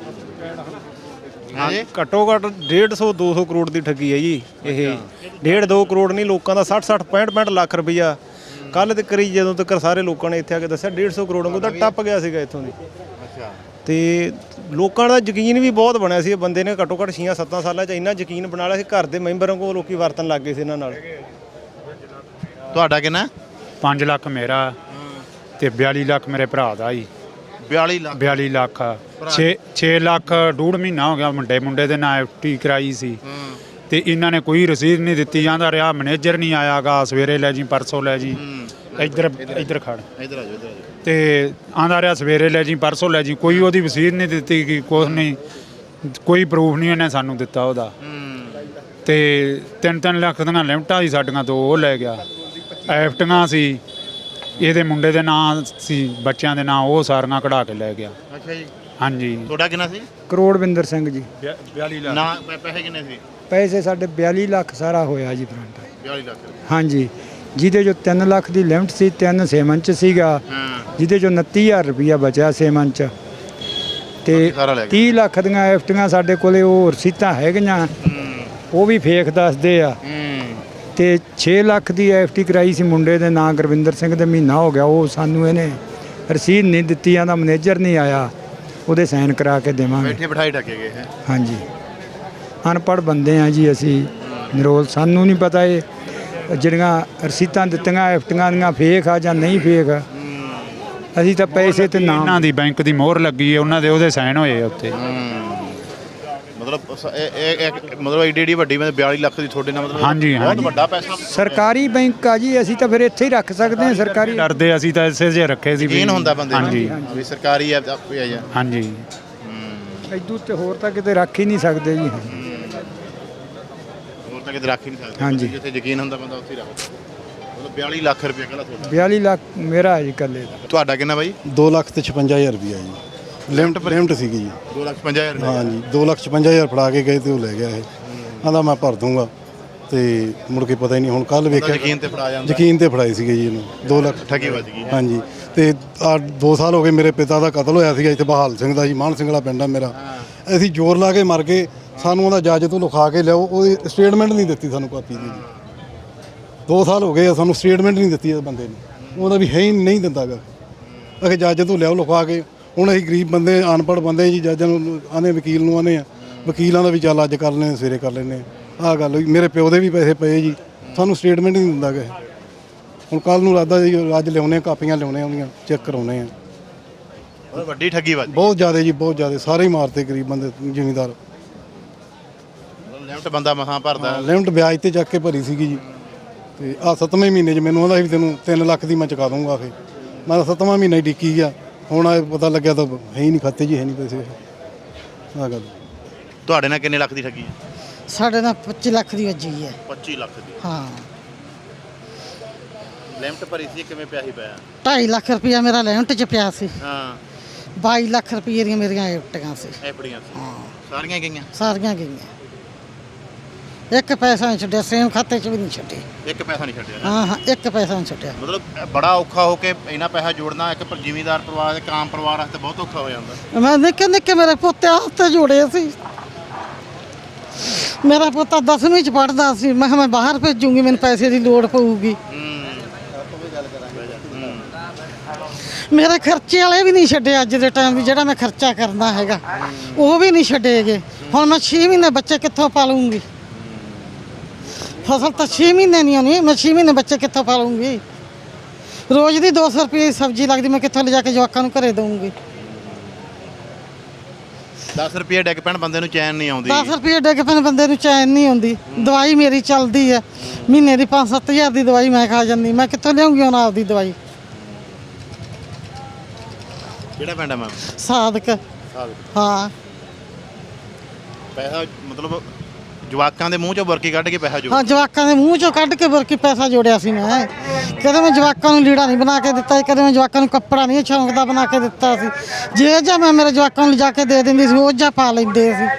[SPEAKER 4] ਹਾਂਜੀ
[SPEAKER 12] ਘੱਟੋ ਘੱਟ ਡੇਢ ਸੌ ਦੋ ਸੌ ਕਰੋੜ ਦੀ ਠੱਗੀ ਹੈ ਜੀ ਇਹ। ਡੇਢ ਦੋ ਕਰੋੜ ਨਹੀਂ, ਲੋਕਾਂ ਦਾ ਸੱਠ ਸੱਠ ਪੈਂਹਠ ਪੈਂਹਠ ਲੱਖ ਰੁਪਈਆ ਕੱਲ੍ਹ ਤੇ ਕਰੀ, ਜਦੋਂ ਤੱਕ ਸਾਰੇ ਲੋਕਾਂ ਨੇ ਇੱਥੇ ਆ ਕੇ ਦੱਸਿਆ ਡੇਢ ਸੌ ਕਰੋੜ ਨੂੰ ਤਾਂ ਟੱਪ ਗਿਆ ਸੀਗਾ ਇੱਥੋਂ ਦੀ।
[SPEAKER 4] ਅੱਛਾ।
[SPEAKER 12] ਤੇ ਲੋਕਾਂ ਦਾ ਯਕੀਨ ਵੀ ਬਹੁਤ ਬਣਿਆ ਸੀ, ਇਹ ਬੰਦੇ ਨੇ ਘੱਟੋ ਘੱਟ ਛੇ ਸੱਤ ਸਾਲਾਂ 'ਚ ਇੰਨਾ ਯਕੀਨ ਬਣਾ ਲਿਆ ਸੀ, ਘਰ ਦੇ ਮੈਂਬਰਾਂ ਕੋਲ ਲੋਕੀ ਵਰਤਣ ਲੱਗ ਗਏ ਸੀ ਇਹਨਾਂ ਨਾਲ।
[SPEAKER 4] ਤੁਹਾਡਾ ਕਿੰਨਾ?
[SPEAKER 3] ਪੰਜ ਲੱਖ ਮੇਰਾ ਤੇ ਬਿਆਲੀ ਲੱਖ ਮੇਰੇ ਭਰਾ ਦਾ ਜੀ।
[SPEAKER 4] ਬਿਆਲੀ ਲੱਖ?
[SPEAKER 3] ਬਿਆਲੀ ਲੱਖ ਛੇ ਛੇ ਲੱਖ ਡੂਢ ਮਹੀਨਾ ਹੋ ਗਿਆ ਮੁੰਡੇ ਮੁੰਡੇ ਦੇ ਨਾਂ ਐਫ ਟੀ ਕਰਾਈ ਸੀ ਤੇ ਇਹਨਾਂ ਨੇ ਕੋਈ ਰਸੀਦ ਨਹੀਂ ਦਿੱਤੀ। ਜਾਂਦਾ ਰਿਹਾ ਮੈਨੇਜਰ ਨਹੀਂ ਆਇਆਗਾ, ਸਵੇਰੇ ਲੈ ਜੀ ਪਰਸੋਂ ਲੈ ਜੀ, ਇੱਧਰ ਇੱਧਰ ਖੜ
[SPEAKER 4] ਇੱਧਰ ਆ ਜਾਓ ਇੱਧਰ ਆ ਜਾਓ।
[SPEAKER 3] ਤੇ ਆਂਦਾ ਰਿਹਾ ਸਵੇਰੇ ਲੈ ਜੀ ਪਰਸੋਂ ਲੈ ਜੀ, ਕੋਈ ਉਹਦੀ ਰਸੀਦ ਨਹੀਂ ਦਿੱਤੀ ਕਿ ਕੁਛ ਨਹੀਂ, ਕੋਈ ਪ੍ਰੂਫ ਨਹੀਂ ਇਹਨੇ ਸਾਨੂੰ ਦਿੱਤਾ ਉਹਦਾ। ਤੇ ਤਿੰਨ ਤਿੰਨ ਲੱਖ ਦੀਆਂ ਲਿਮਟਾਂ ਸੀ ਸਾਡੀਆਂ, ਤੋਂ ਉਹ ਲੈ ਗਿਆ। ਐਫਟੀਆਂ ਸੀ ਇਹਦੇ ਮੁੰਡੇ ਦੇ ਨਾਂ ਸੀ, ਬੱਚਿਆਂ ਦੇ ਨਾਂ, ਉਹ ਸਾਰੀਆਂ ਕਢਾ ਕੇ ਲੈ ਗਿਆ।
[SPEAKER 4] ਅੱਛਾ ਜੀ।
[SPEAKER 3] ਹਾਂਜੀ।
[SPEAKER 4] ਤੁਹਾਡਾ ਕਿੰਨਾ ਸੀ?
[SPEAKER 9] ਕਰੋੜਵਿੰਦਰ ਸਿੰਘ ਜੀ।
[SPEAKER 3] ਬਿਆਲੀ ਲੱਖ।
[SPEAKER 4] ਨਾ ਪੈ- ਪੈਸੇ ਕਿੰਨੇ ਸੀ?
[SPEAKER 9] ਪੈਸੇ ਸਾਡੇ ਬਿਆਲੀ ਲੱਖ ਸਾਰਾ ਹੋਇਆ ਜੀ ਫਰੰਟ।
[SPEAKER 4] ਬਿਆਲੀ ਲੱਖ?
[SPEAKER 9] ਹਾਂਜੀ, ਜਿਹਦੇ ਜੋ ਤਿੰਨ ਲੱਖ ਦੀ ਲਿਮਟ ਸੀ, ਤਿੰਨ ਸੇਮਨ ਚ ਸੀਗਾ,
[SPEAKER 4] ਹਾਂ
[SPEAKER 9] ਜਿਹਦੇ ਚੋਂ ਉਨੱਤੀ ਹਜ਼ਾਰ ਰੁਪਈਆ ਬਚਿਆ ਸੇਮਨ ਚ, ਤੇ
[SPEAKER 4] ਸਾਰਾ ਲੈ ਗਿਆ।
[SPEAKER 9] ਤੀਹ ਲੱਖ ਦੀਆਂ ਐਫਟੀਆਂ ਸਾਡੇ ਕੋਲੇ ਉਹ ਰਸੀਤਾਂ ਹੈਗੀਆਂ, ਉਹ ਵੀ ਫੇਕ ਦੱਸਦੇ ਆ। ਤੇ ਛੇ ਲੱਖ ਦੀ ਐਫਟੀ ਕਰਾਈ ਸੀ ਮੁੰਡੇ ਦੇ ਨਾਂ ਗੁਰਵਿੰਦਰ ਸਿੰਘ ਦੇ, ਮਹੀਨਾ ਹੋ ਗਿਆ, ਉਹ ਸਾਨੂੰ ਇਹਨੇ ਰਸੀਦ ਨਹੀਂ ਦਿੱਤੀ, ਆਂਦਾ ਮੈਨੇਜਰ ਨਹੀਂ ਆਇਆ, ਉਹਦੇ ਸਾਈਨ ਕਰਾ ਕੇ ਦੇਵਾਂਗੇ।
[SPEAKER 4] ਬੈਠੇ ਬਿਠਾਈ ਟੱਕੇ ਗਏ ਹੈ?
[SPEAKER 9] ਹਾਂਜੀ, ਅਨਪੜ੍ਹ ਬੰਦੇ ਆ ਜੀ ਅਸੀਂ ਨਿਰੋਲ, ਸਾਨੂੰ ਨਹੀਂ ਪਤਾ ਇਹ ਜਿਹੜੀਆਂ ਰਸੀਤਾਂ ਦਿੱਤੀਆਂ ਐਫਟੀਆਂ ਦੀਆਂ ਫੇਕ ਆ ਜਾਂ ਨਹੀਂ ਫੇਕ। ਅਸੀਂ ਤਾਂ ਪੈਸੇ ਤੇ ਨਾਮ
[SPEAKER 3] ਇਹਨਾਂ ਦੀ ਬੈਂਕ ਦੀ ਮੋਹਰ ਲੱਗੀ ਹੈ, ਉਹਨਾਂ ਦੇ ਉਹਦੇ ਸਾਈਨ ਹੋਏ ਉੱਤੇ।
[SPEAKER 4] ਮਤਲਬ ਸ- ਇਹ- ਇਹ- ਇਹ- ਮਤਲਬ ਏਡੀ ਏਡੀ ਵੱਡੀ ਮਤਲਬ ਬਿਆਲੀ ਲੱਖ ਦੀ ਤੁਹਾਡੇ ਨਾਲ ਮਤਲਬ
[SPEAKER 3] ਹਾਂਜੀ,
[SPEAKER 4] ਬਹੁਤ
[SPEAKER 3] ਹਾਂਜੀ।
[SPEAKER 4] ਵੱਡਾ ਪੈਸਾ।
[SPEAKER 9] ਸਰਕਾਰੀ ਬੈਂਕ ਆ ਜੀ, ਅਸੀਂ ਤਾਂ ਫਿਰ ਇੱਥੇ ਹੀ ਰੱਖ ਸਕਦੇ ਹਾਂ ਸਰਕਾਰੀ।
[SPEAKER 3] ਡਰਦੇ ਅਸੀਂ ਤਾਂ ਇਸੇ ਜੇ ਰੱਖੇ ਸੀ ਵੀ।
[SPEAKER 4] ਯਕੀਨ ਹੁੰਦਾ ਬੰਦੇ ਨੂੰ
[SPEAKER 3] ਹਾਂਜੀ
[SPEAKER 4] ਵੀ ਸਰਕਾਰੀ ਹੈ ਆਪੇ ਆ ਜਾ।
[SPEAKER 3] ਹਾਂਜੀ।
[SPEAKER 9] ਇਦੂ ਤੇ ਹੋਰ ਤਾਂ ਕਿਤੇ ਰੱਖ ਹੀ ਨਹੀਂ ਸਕਦੇ ਜੀ।
[SPEAKER 4] ਹੋਰ ਤਾਂ ਕਿਤੇ ਰੱਖ ਹੀ ਨਹੀਂ ਸਕਦੇ।
[SPEAKER 9] ਹਾਂਜੀ।
[SPEAKER 4] ਜਿੱਥੇ ਯਕੀਨ ਹੁੰਦਾ ਬੰਦਾ ਉੱਥੇ ਹੀ ਰੱਖਦਾ। ਮਤਲਬ ਬਿਆਲੀ ਲੱਖ ਰੁਪਏ ਕਹਿੰਦਾ ਤੁਹਾਡਾ?
[SPEAKER 9] ਬਿਆਲੀ ਲੱਖ ਮੇਰਾ ਜੀ ਇਕੱਲੇ ਦਾ।
[SPEAKER 4] ਤੁਹਾਡਾ ਕਿੰਨਾ ਬਾਈ?
[SPEAKER 11] ਦੋ ਲੱਖ ਤੇ ਛਪੰਜਾ ਹਜ਼ਾਰ ਰੁਪਈਆ ਜੀ। ਲਿਮਟ ਲਿਮਟ ਸੀਗੀ ਜੀ।
[SPEAKER 4] ਦੋ ਲੱਖ ਪੰਜਾਹ ਹਜ਼ਾਰ?
[SPEAKER 11] ਹਾਂ ਜੀ, ਦੋ ਲੱਖ ਛਪੰਜਾ ਹਜ਼ਾਰ ਫੜਾ ਕੇ ਗਏ ਤੇ ਉਹ ਲੈ ਗਿਆ ਇਹ। ਆਂਦਾ ਮੈਂ ਭਰ ਦੂੰਗਾ ਤੇ ਮੁੜ ਕੇ ਪਤਾ ਹੀ ਨਹੀਂ। ਹੁਣ ਕੱਲ ਵੇਖਿਆ,
[SPEAKER 4] ਯਕੀਨ ਤੇ ਫੜਾ ਜਾਂਦਾ।
[SPEAKER 11] ਯਕੀਨ ਤੇ ਫੜਾਏ ਸੀਗੇ ਜੀ ਇਹਨੂੰ ਦੋ ਲੱਖ।
[SPEAKER 4] ਠੱਗੀ ਵੱਜ ਗਈ।
[SPEAKER 11] ਹਾਂਜੀ। ਤੇ ਆ ਦੋ ਸਾਲ ਹੋ ਗਏ ਮੇਰੇ ਪਿਤਾ ਦਾ ਕਤਲ ਹੋਇਆ ਸੀਗਾ ਇੱਥੇ ਬਹਾਲ ਸਿੰਘ ਦਾ ਜੀ, ਮਾਨ ਸਿੰਘ ਵਾਲਾ ਪਿੰਡ ਆ ਮੇਰਾ। ਅਸੀਂ ਜ਼ੋਰ ਲਾ ਕੇ ਮਰ ਗਏ, ਸਾਨੂੰ ਉਹਦਾ ਜੱਜ ਤੋਂ ਲਿਖਾ ਕੇ ਲਿਆਓ, ਉਹਦੀ ਸਟੇਟਮੈਂਟ ਨਹੀਂ ਦਿੱਤੀ ਸਾਨੂੰ ਕਾਪੀ ਦੀ ਜੀ। ਦੋ ਸਾਲ ਹੋ ਗਏ ਆ, ਸਾਨੂੰ ਸਟੇਟਮੈਂਟ ਨਹੀਂ ਦਿੱਤੀ ਇਸ ਬੰਦੇ ਨੇ, ਉਹਦਾ ਵੀ ਹੈ ਹੀ ਨਹੀਂ ਦਿੰਦਾ ਗਾ। ਅਸੀਂ ਜੱਜ ਤੋਂ ਲਿਆਓ ਲਿਖਵਾ ਕੇ। ਹੁਣ ਅਸੀਂ ਗਰੀਬ ਬੰਦੇ, ਅਨਪੜ੍ਹ ਬੰਦੇ ਜੀ, ਜੱਜਾਂ ਨੂੰ ਆਨੇ, ਵਕੀਲ ਨੂੰ ਆਨੇ ਆ, ਵਕੀਲਾਂ ਦਾ ਵੀ ਚੱਲ ਅੱਜ ਕਰ ਲੈਣੇ, ਸਵੇਰੇ ਕਰ ਲੈਣੇ। ਆਹ ਗੱਲ ਹੋਈ। ਮੇਰੇ ਪਿਓ ਦੇ ਵੀ ਪੈਸੇ ਪਏ ਜੀ, ਸਾਨੂੰ ਸਟੇਟਮੈਂਟ ਨਹੀਂ ਦਿੰਦਾ ਗਾ। ਹੁਣ ਕੱਲ ਨੂੰ ਲੱਗਦਾ ਜੀ ਅੱਜ ਲਿਆਉਣੇ, ਕਾਪੀਆਂ ਲਿਆਉਣੇ, ਆਉਂਦੀਆਂ ਚੈੱਕ ਕਰਾਉਣੇ ਆ।
[SPEAKER 4] ਬਹੁਤ ਵੱਡੀ ਠੱਗੀ ਵੱਜ ਗਈ।
[SPEAKER 11] ਬਹੁਤ ਜ਼ਿਆਦਾ ਜੀ, ਬਹੁਤ ਜ਼ਿਆਦਾ। ਸਾਰੇ ਹੀ ਮਾਰਤੇ ਗਰੀਬ ਬੰਦੇ, ਜ਼ਿਮੀਂਦਾਰ।
[SPEAKER 4] ਲਿਮਟ ਬੰਦਾ ਮਸਾਂ ਭਰਦਾ।
[SPEAKER 11] ਲਿਮਟ ਵਿਆਜ ਤੇ ਚੱਕ ਕੇ ਭਰੀ ਸੀਗੀ ਜੀ। ਤੇ ਆਹ ਸੱਤਵੇਂ ਮਹੀਨੇ 'ਚ ਮੈਨੂੰ ਆਂਦਾ ਸੀ ਤੈਨੂੰ ਤਿੰਨ ਲੱਖ ਦੀ ਮੈਂ ਚੁਕਾ ਦੂੰਗਾ। ਆਖੇ ਮੈਂ ਤਾਂ ਸੱਤਵਾਂ ਮਹੀਨਾ ਹੀ ਡਿੱਕੀ ਗਿਆ। ਹੁਣ ਆ ਪਤਾ ਲੱਗਿਆ ਤਾਂ ਹੈ ਹੀ ਨਹੀਂ, ਖਾਤੇ 'ਚ ਹੈ ਨਹੀਂ ਪੈਸੇ। ਆਹ ਗੱਲ।
[SPEAKER 4] ਤੁਹਾਡੇ ਨਾਲ ਕਿੰਨੇ ਲੱਖ ਦੀ ਠੱਗੀ ਹੈ?
[SPEAKER 6] ਸਾਡੇ ਨਾਲ ਪੱਚੀ ਲੱਖ ਦੀ ਵੱਜੀ ਹੈ।
[SPEAKER 4] ਪੱਚੀ ਲੱਖ ਦੀ?
[SPEAKER 6] ਹਾਂ।
[SPEAKER 4] ਲਿਮਟ ਭਰੀ ਸੀ, ਕਿਵੇਂ ਪਿਆ ਸੀ? ਪਿਆ
[SPEAKER 6] ਢਾਈ ਲੱਖ ਰੁਪਇਆ ਮੇਰਾ ਲਿਮਟ 'ਚ ਪਿਆ ਸੀ।
[SPEAKER 4] ਹਾਂ।
[SPEAKER 6] ਬਾਈ ਲੱਖ ਰੁਪਏ ਦੀਆਂ ਮੇਰੀਆਂ ਐਫਟੀਆਂ ਸੀ।
[SPEAKER 4] ਐਫਡੀਆਂ ਸੀ? ਹਾਂ। ਸਾਰੀਆਂ ਗਈਆਂ?
[SPEAKER 6] ਸਾਰੀਆਂ ਗਈਆਂ, ਇੱਕ ਪੈਸਾ ਨਹੀਂ ਛੱਡਿਆ, ਸੇਮ ਖਾਤੇ 'ਚ ਵੀ ਨਹੀਂ ਛੱਡੇ।
[SPEAKER 4] ਇੱਕ ਪੈਸਾ ਨਹੀਂ ਛੱਡਿਆ?
[SPEAKER 6] ਹਾਂ ਹਾਂ, ਇੱਕ ਪੈਸਾ ਨਹੀਂ ਛੱਡਿਆ।
[SPEAKER 4] ਮਤਲਬ ਬੜਾ ਔਖਾ ਹੋ ਕੇ ਇੰਨਾ ਪੈਸਾ ਜੋੜਨਾ ਇੱਕ ਪਰ ਜ਼ਿਮੀਂਦਾਰ ਪਰਿਵਾਰ, ਇੱਕ ਆਮ ਪਰਿਵਾਰ ਵਾਸਤੇ ਬਹੁਤ ਔਖਾ ਹੋ ਜਾਂਦਾ।
[SPEAKER 6] ਮੈਂ ਨਿੱਕੇ ਨਿੱਕੇ ਮੇਰੇ ਪੋਤੇ ਹੱਥ ਜੋੜੇ ਸੀ। ਮੇਰਾ ਪੋਤਾ ਦਸਵੀਂ 'ਚ ਪੜ੍ਹਦਾ ਸੀ, ਮੈਂ ਕਿਹਾ ਮੈਂ ਬਾਹਰ ਭੇਜੂੰਗੀ, ਮੈਨੂੰ ਪੈਸੇ ਦੀ ਲੋੜ ਪਊਗੀ। ਮੇਰੇ ਖਰਚੇ ਵਾਲੇ ਵੀ ਨਹੀਂ ਛੱਡੇ ਅੱਜ ਦੇ ਟਾਈਮ ਵੀ, ਜਿਹੜਾ ਮੈਂ ਖਰਚਾ ਕਰਨਾ ਹੈਗਾ ਉਹ ਵੀ ਨਹੀਂ ਛੱਡੇਗੇ। ਹੁਣ ਮੈਂ ਛੇ ਮਹੀਨੇ ਬੱਚੇ ਕਿੱਥੋਂ ਪਾਲੂੰਗੀ? ਫਸਲ ਤਾਂ ਛੇ ਮਹੀਨੇ ਨਹੀਂ ਆਉਣੀ, ਮੈਂ ਛੇ ਮਹੀਨੇ ਬੱਚੇ ਕਿੱਥੋਂ ਪਾਲੂੰਗੀ? ਰੋਜ਼ ਦੀ ਦੋ ਸੌ ਰੁਪਏ ਦੀ ਸਬਜ਼ੀ ਲੱਗਦੀ, ਮੈਂ ਕਿੱਥੋਂ ਲਿਜਾ ਕੇ ਜਵਾਕਾਂ ਨੂੰ ਘਰੇ ਦਊਂਗੀ?
[SPEAKER 4] ਦਸ ਰੁਪਏ ਡਿੱਗ ਪੈਣ ਬੰਦੇ ਨੂੰ ਚੈਨ ਨਹੀਂ ਆਉਂਦੀ।
[SPEAKER 6] ਦਸ ਰੁਪਏ ਡਿੱਗ ਪੈਣ ਬੰਦੇ ਨੂੰ ਚੈਨ ਨਹੀਂ ਆਉਂਦੀ। ਦਵਾਈ ਮੇਰੀ ਚੱਲਦੀ ਹੈ, ਮਹੀਨੇ ਦੀ ਪੰਜ ਸੱਤ ਹਜ਼ਾਰ ਦੀ ਦਵਾਈ ਮੈਂ ਖਾ ਜਾਂਦੀ, ਮੈਂ ਕਿੱਥੋਂ ਲਿਆਉਂਗੀ ਹੁਣ ਆਪਦੀ ਦਵਾਈ?
[SPEAKER 4] ਕਿਹੜਾ ਪਿੰਡ ਹੈ ਮੈਮ?
[SPEAKER 6] ਸਾਦਕ ਹਾਂ।
[SPEAKER 4] ਪੈਸਾ ਮਤਲਬ ਜਵਾਕਾਂ ਦੇ ਮੂੰਹ ਚੋਂ ਬੁਰਕੀ ਕੱਢ ਕੇ ਪੈਸਾ ਜੋ
[SPEAKER 6] ਹਾਂ, ਜਵਾਕਾਂ ਦੇ ਮੂੰਹ ਚੋਂ ਕੱਢ ਕੇ ਬੁਰਕੀ ਪੈਸਾ ਜੋੜਿਆ ਸੀ ਮੈਂ। ਕਦੇ ਮੈਂ ਜਵਾਕਾਂ ਨੂੰ ਲੀੜਾ ਨਹੀਂ ਬਣਾ ਕੇ ਦਿੱਤਾ, ਕਦੇ ਮੈਂ ਜਵਾਕਾਂ ਨੂੰ ਕੱਪੜਾ ਨਹੀਂ ਸ਼ੌਂਕ ਦਾ ਬਣਾ ਕੇ ਦਿੱਤਾ ਸੀ। ਜੇ ਜਾਂ ਮੈਂ ਮੇਰੇ ਜਵਾਕਾਂ ਨੂੰ ਲਿਜਾ ਕੇ ਦੇ ਦਿੰਦੀ ਸੀ, ਉਹ ਜਾਂ ਪਾ ਲੈਂਦੇ ਸੀ।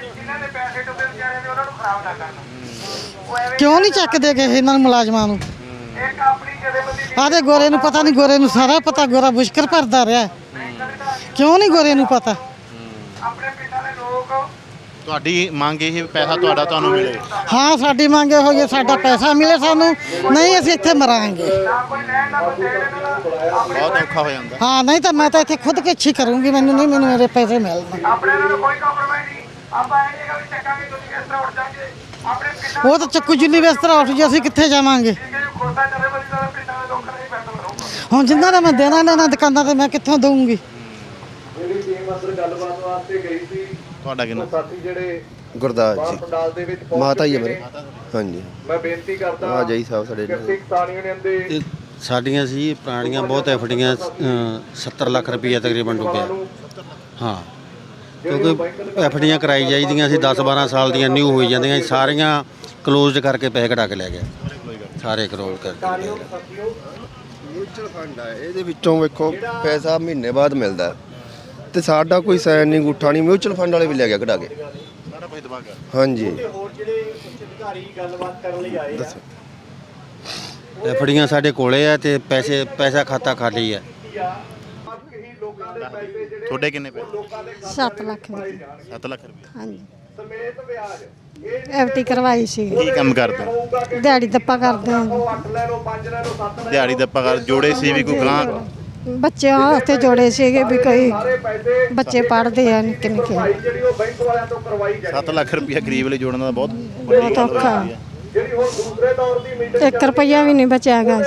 [SPEAKER 6] ਕਿਉਂ ਨਹੀਂ ਚੱਕਦੇ ਗਏ ਇਹਨਾਂ ਨੂੰ ਮੁਲਾਜ਼ਮਾਂ ਨੂੰ? ਆਦੇ ਗੋਰੇ ਨੂੰ ਪਤਾ ਨਹੀਂ, ਗੋਰੇ ਨੂੰ ਸਾਰਾ ਪਤਾ, ਗੋਰਾ ਮੁਸ਼ਕਲ ਭਰਦਾ ਰਿਹਾ। ਕਿਉਂ ਨਹੀਂ ਗੋਰੇ ਨੂੰ ਪਤਾ?
[SPEAKER 4] ਤੁਹਾਡੀ ਮੰਗ ਇਹ ਪੈਸਾ ਤੁਹਾਡਾ ਤੁਹਾਨੂੰ ਮਿਲੇ।
[SPEAKER 6] ਹਾਂ, ਸਾਡੀ ਮੰਗ ਇਹੋ ਜਿਹੀ, ਸਾਡਾ ਪੈਸਾ ਮਿਲੇ ਸਾਨੂੰ, ਨਹੀਂ ਅਸੀਂ ਇੱਥੇ ਮਰਾਂਗੇ।
[SPEAKER 4] ਬਹੁਤ ਔਖਾ ਹੋ ਜਾਂਦਾ।
[SPEAKER 6] ਹਾਂ, ਨਹੀਂ ਤਾਂ ਮੈਂ ਤਾਂ ਇੱਥੇ ਖੁਦ ਕਿਛੀ ਕਰੂੰਗੀ, ਮੈਨੂੰ ਨਹੀਂ, ਮੈਨੂੰ ਮੇਰੇ ਪੈਸੇ ਮਿਲਣ। ਉਹ ਤਾਂ ਚੱਕੂ ਜੁੱਲੀ ਬਿਸਤਰਾ ਉੱਠ ਜੀ, ਅਸੀਂ ਕਿੱਥੇ ਜਾਵਾਂਗੇ? ਹੁਣ ਜਿੰਨਾ ਦਾ ਮੈਂ ਦੇਣਾ ਲੈਣਾ ਦੁਕਾਨਾਂ ਤੇ ਮੈਂ ਕਿੱਥੋਂ ਦਊਂਗੀ?
[SPEAKER 4] ਤੁਹਾਡਾ ਕਿੰਨਾ?
[SPEAKER 13] ਗੁਰਦਾਸ ਜੀ ਮਾਤਾ ਹੀ ਹੈ ਮੇਰੇ। ਹਾਂਜੀ ਮੈਂ ਬੇਨਤੀ ਕਰਦਾ ਆ ਜਾਈ ਸਾਹਿਬ ਸਾਡੇ
[SPEAKER 7] ਇਹ ਸਾਡੀਆਂ ਸੀ ਪੁਰਾਣੀਆਂ ਬਹੁਤ ਐਫਡੀਆਂ, ਸੱਤਰ ਲੱਖ ਰੁਪਈਆ ਤਕਰੀਬਨ ਡੁੱਬਿਆ। ਹਾਂ, ਕਿਉਂਕਿ ਐਫਡੀਆਂ ਕਰਾਈ ਜਾਈਦੀਆਂ ਸੀ, ਦਸ ਬਾਰਾਂ ਸਾਲ ਦੀਆਂ ਨਿਊ ਹੋਈ ਜਾਂਦੀਆਂ ਸੀ, ਸਾਰੀਆਂ ਕਲੋਜ਼ਡ ਕਰਕੇ ਪੈਸੇ ਕਢਾ ਕੇ ਲੈ ਗਿਆ, ਸਾਰੇ ਕਰੋਲ ਕਰਕੇ।
[SPEAKER 13] ਮਿਊਚੁਅਲ ਫੰਡ ਆ, ਇਹਦੇ ਵਿੱਚੋਂ ਵੇਖੋ ਪੈਸਾ ਮਹੀਨੇ ਬਾਅਦ ਮਿਲਦਾ ਤੇ ਸਾਡਾ ਕੋਈ ਸਾਈਨ ਨਹੀਂ, ਅੰਗੂਠਾ ਨਹੀਂ। ਮਿਊਚੁਅਲ ਫੰਡ ਵਾਲੇ ਵੀ ਲੈ ਗਿਆ ਕਢਾ ਕੇ। ਹਾਂਜੀ,
[SPEAKER 7] ਐਫਡੀਆਂ ਸਾਡੇ ਕੋਲੇ ਆ ਤੇ ਪੈਸੇ ਪੈਸਾ ਖਾਤਾ ਖਾਲੀ ਹੈ।
[SPEAKER 4] ਤੁਹਾਡੇ ਕਿੰਨੇ ਪੈਸੇ?
[SPEAKER 10] ਸੱਤ ਲੱਖ ਦੀ।
[SPEAKER 4] ਸੱਤ ਲੱਖ ਰੁਪਏ।
[SPEAKER 10] ਹਾਂਜੀ, ਐਫ ਟੀ ਕਰਵਾਈ ਸੀ।
[SPEAKER 4] ਕੀ ਕੰਮ ਕਰਦੇ?
[SPEAKER 10] ਦਿਹਾੜੀ ਦੱਪਾ ਕਰਦੇ ਹਾਂ।
[SPEAKER 4] ਦਿਹਾੜੀ ਦੱਪਾ ਕਰ ਜੋੜੇ ਸੀ ਵੀ ਕੋਈ ਗਾਂ?
[SPEAKER 10] ਬੱਚਿਆਂ ਵਾਸਤੇ ਜੋੜੇ ਸੀਗੇ ਵੀ ਕੋਈ ਬੱਚੇ ਪੜ੍ਹਦੇ ਆ ਨਿੱਕੇ ਨਿੱਕੇ।
[SPEAKER 4] ਸੱਤ ਲੱਖ ਰੁਪਇਆ ਗਰੀਬ ਲਈ ਜੋੜਨਾ ਬਹੁਤ
[SPEAKER 10] ਬਹੁਤ ਔਖਾ। ਇੱਕ ਰੁਪਈਆ ਵੀ ਨਹੀਂ ਬਚਿਆ ਗਾ।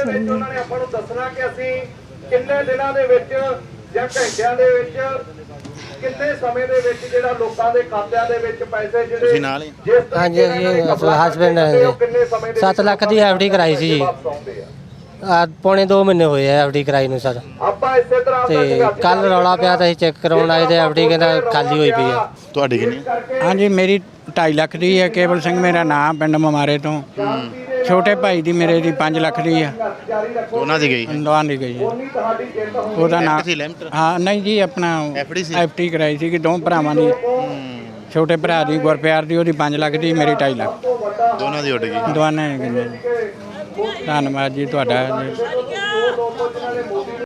[SPEAKER 14] ਕਿੰਨੇ ਦਿਨਾਂ ਦੇ ਵਿੱਚ ਜਾਂ ਘੰਟਿਆਂ ਦੇ ਵਿੱਚ, ਕਿੰਨੇ ਸਮੇਂ ਦੇ ਵਿੱਚ ਜਿਹੜਾ ਲੋਕਾਂ ਦੇ ਖਾਤਿਆਂ ਦੇ ਵਿੱਚ ਪੈਸੇ ਜਿਹੜੇ
[SPEAKER 4] ਤੁਸੀਂ ਨਾਲ ਹੀ?
[SPEAKER 5] ਹਾਂਜੀ, ਅਸੀਂ ਹਸਬੈਂਡ ਹਾਂ। ਸੱਤ ਲੱਖ ਦੀ ਐਫ ਡੀ ਕਰਾਈ ਸੀ ਜੀ। ਆ ਪੌਣੇ ਦੋ ਮਹੀਨੇ ਹੋਏ ਆ ਐਫ ਡੀ ਕਰਾਈ ਨੂੰ ਸਰ।
[SPEAKER 14] ਆਪਾਂ ਇਸੇ ਤਰ੍ਹਾਂ
[SPEAKER 5] ਤੇ ਕੱਲ ਰੌਲਾ ਪਿਆ ਤਾਂ ਅਸੀਂ ਚੈੱਕ ਕਰਾਉਣ ਆਏ ਤੇ ਐਫ ਡੀ ਕਹਿੰਦਾ ਖਾਲੀ ਹੋਈ ਪਈ ਆ।
[SPEAKER 4] ਤੁਹਾਡੀ ਕਿੰਨੀ?
[SPEAKER 15] ਹਾਂਜੀ, ਮੇਰੀ ਢਾਈ ਲੱਖ ਦੀ ਹੈ। ਕੇਵਲ ਸਿੰਘ ਮੇਰਾ ਨਾਮ, ਪਿੰਡ ਮਮਾਰੇ ਤੋਂ। ਛੋਟੇ ਭਾਈ ਦੀ ਮੇਰੇ ਦੀ ਪੰਜ ਲੱਖ ਦੀ ਆ।
[SPEAKER 4] ਦੋਨਾਂ ਦੀ ਗਈ?
[SPEAKER 15] ਦੋਨਾਂ ਦੀ ਗਈ। ਉਹਦਾ ਨਾਮ ਹਾਂ ਨਹੀਂ ਜੀ, ਆਪਣਾ ਐਫ ਟੀ ਕਰਾਈ ਸੀ ਕਿ ਦੋ ਭਰਾਵਾਂ ਦੀ। ਛੋਟੇ ਭਰਾ ਦੀ ਗੁਰਪਿਆਰ ਦੀ, ਉਹਦੀ ਪੰਜ ਲੱਖ ਦੀ, ਮੇਰੀ ਢਾਈ ਲੱਖ।
[SPEAKER 4] ਦੋਨਾਂ ਦੀ ਉੱਡ ਗਈ?
[SPEAKER 15] ਦੋਨਾਂ ਦੀ ਗਈ। ਧੰਨਵਾਦ ਜੀ ਤੁਹਾਡਾ ਜੀ।